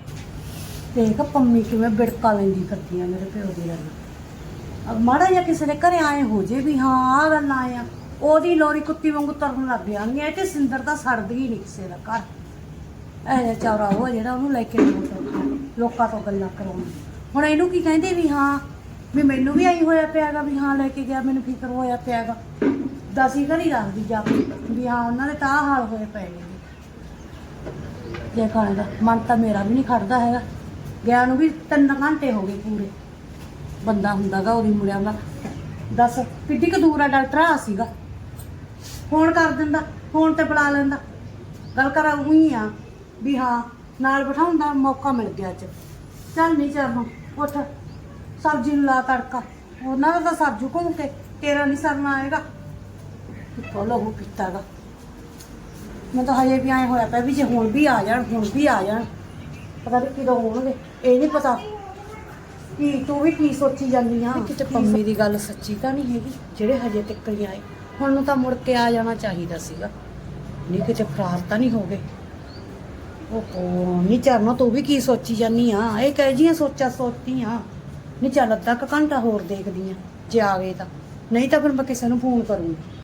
Speaker 1: ਦੇਖ ਪੰਮੀ ਕਿਵੇਂ ਬਿੜਕਾ ਲੈਂਦੀ ਕਰਦੀ ਆ ਮੇਰੇ ਪਿਓ ਦੀ ਗੱਲ ਅਬ ਮਾੜਾ ਜਿਹਾ ਕਿਸੇ ਦੇ ਘਰੇ ਆਏ ਹੋ ਜੇ ਵੀ ਹਾਂ ਆ ਗੱਲ ਆਏ ਆ ਉਹਦੀ ਲੋਰੀ ਕੁੱਤੀ ਵਾਂਗੂ ਤਰਨ ਲੱਗ ਜਾਂਦੀਆਂ ਤੇ ਸਿੰਦਰ ਤਾਂ ਸੜਦੀ ਹੀ ਨਹੀਂ ਕਿਸੇ ਦਾ ਘਰ ਇਹ ਜਿਹਾ ਚੌਰਾ ਉਹ ਜਿਹੜਾ ਉਹਨੂੰ ਲੈ ਕੇ ਲੋਕ- ਲੋਕਾਂ ਤੋਂ ਗੱਲਾਂ ਕਰਾਉਣੀ ਹੁਣ ਇਹਨੂੰ ਕੀ ਕਹਿੰਦੇ ਵੀ ਹਾਂ ਵੀ ਮੈਨੂੰ ਵੀ ਆਈ ਹੋਇਆ ਪਿਆਗਾ ਵੀ ਹਾਂ ਲੈ ਕੇ ਗਿਆ ਮੈਨੂੰ ਫਿਕਰ ਹੋਇਆ ਪਿਆਗਾ ਦਸੀ ਘਰੀ ਰੱਖਦੀ ਜਾ ਕੇ ਵੀ ਹਾਂ ਉਹਨਾਂ ਦੇ ਤਾਂ ਆਹ ਹਾਲ ਹੋਏ ਪਏ ਨੇ ਜੇ ਖਾਣੇ ਦਾ ਮਨ ਤਾਂ ਮੇਰਾ ਵੀ ਨਹੀਂ ਖੜਦਾ ਹੈਗਾ ਗਿਆ ਨੂੰ ਵੀ ਤਿੰਨ ਘੰਟੇ ਹੋ ਗਏ ਪੂਰੇ। ਬੰਦਾ ਹੁੰਦਾਗਾ ਉਹਦੀ ਮੁੜਿਆ ਦਾ ਦੱਸ ਕਿੱਡੀ ਕੁ ਦੂਰ ਆ ਡਾਕਟਰ ਆ ਸੀਗਾ, ਫੋਨ ਕਰ ਦਿੰਦਾ, ਫੋਨ ਤੇ ਬੁਲਾ ਲੈਂਦਾ, ਗੱਲ ਕਰਾ ਉਹੀ ਆ ਵੀ ਹਾਂ ਨਾਲ ਬਿਠਾਉਣ ਦਾ ਮੌਕਾ ਮਿਲ ਗਿਆ ਅੱਜ। ਚੱਲ ਨਹੀਂ ਚਰਨੋਂ ਉੱਠ, ਸਬਜ਼ੀ ਨੂੰ ਲਾ ਤੜਕਾ, ਉਹਨਾਂ ਦਾ ਤਾਂ ਸਬਜ਼ੂ ਘੁੰਮ ਕੇ ਤੇਰਾ ਨਹੀਂ ਸਰਨਾ ਆਏਗਾ। ਕਿੱਥੋਂ ਲਹੂ ਪੀਤਾਗਾ, ਮੈਂ ਤਾਂ ਹਜੇ ਵੀ ਆਏ ਹੋਇਆ ਪਿਆ ਵੀ ਜੇ ਹੁਣ ਵੀ ਆ ਜਾਣ, ਹੁਣ ਵੀ ਆ ਜਾਣ, ਪਤਾ ਨਹੀਂ ਕਦੋਂ ਹੋਣਗੇ, ਇਹ ਨਹੀਂ ਪਤਾ। ਕੀ ਤੂੰ ਵੀ ਕੀ ਸੋਚੀ ਜਾਂਦੀ ਆ? ਕਿਤੇ ਪੰਮੀ ਦੀ ਗੱਲ ਸੱਚੀ ਤਾਂ ਨਹੀਂ ਹੈਗੀ ਜਿਹੜੇ ਹਜੇ ਤੱਕ ਨਹੀਂ ਆਏ, ਹੁਣ ਨੂੰ ਤਾਂ ਮੁੜ ਕੇ ਆ ਜਾਣਾ ਚਾਹੀਦਾ ਸੀਗਾ, ਨਹੀਂ ਕਿਤੇ ਫਰਾਰ ਤਾਂ ਨਹੀਂ ਹੋ ਗਏ। ਓਹੋ ਨਹੀਂ ਚਰਨਾ, ਤੂੰ ਵੀ ਕੀ ਸੋਚੀ ਜਾਂਦੀ ਆ? ਇਹ ਕਹਿ ਜੀਆਂ ਸੋਚਾਂ ਸੋਚਦੀ ਆ। ਨਹੀਂ ਚੱਲ ਅੱਧਾ ਕੁ ਘੰਟਾ ਹੋਰ ਦੇਖਦੀ ਆ, ਜੇ ਆ ਗਏ ਤਾਂ, ਨਹੀਂ ਤਾਂ ਫਿਰ ਮੈਂ ਕਿਸੇ ਨੂੰ ਫੋਨ ਕਰੂੰਗੀ।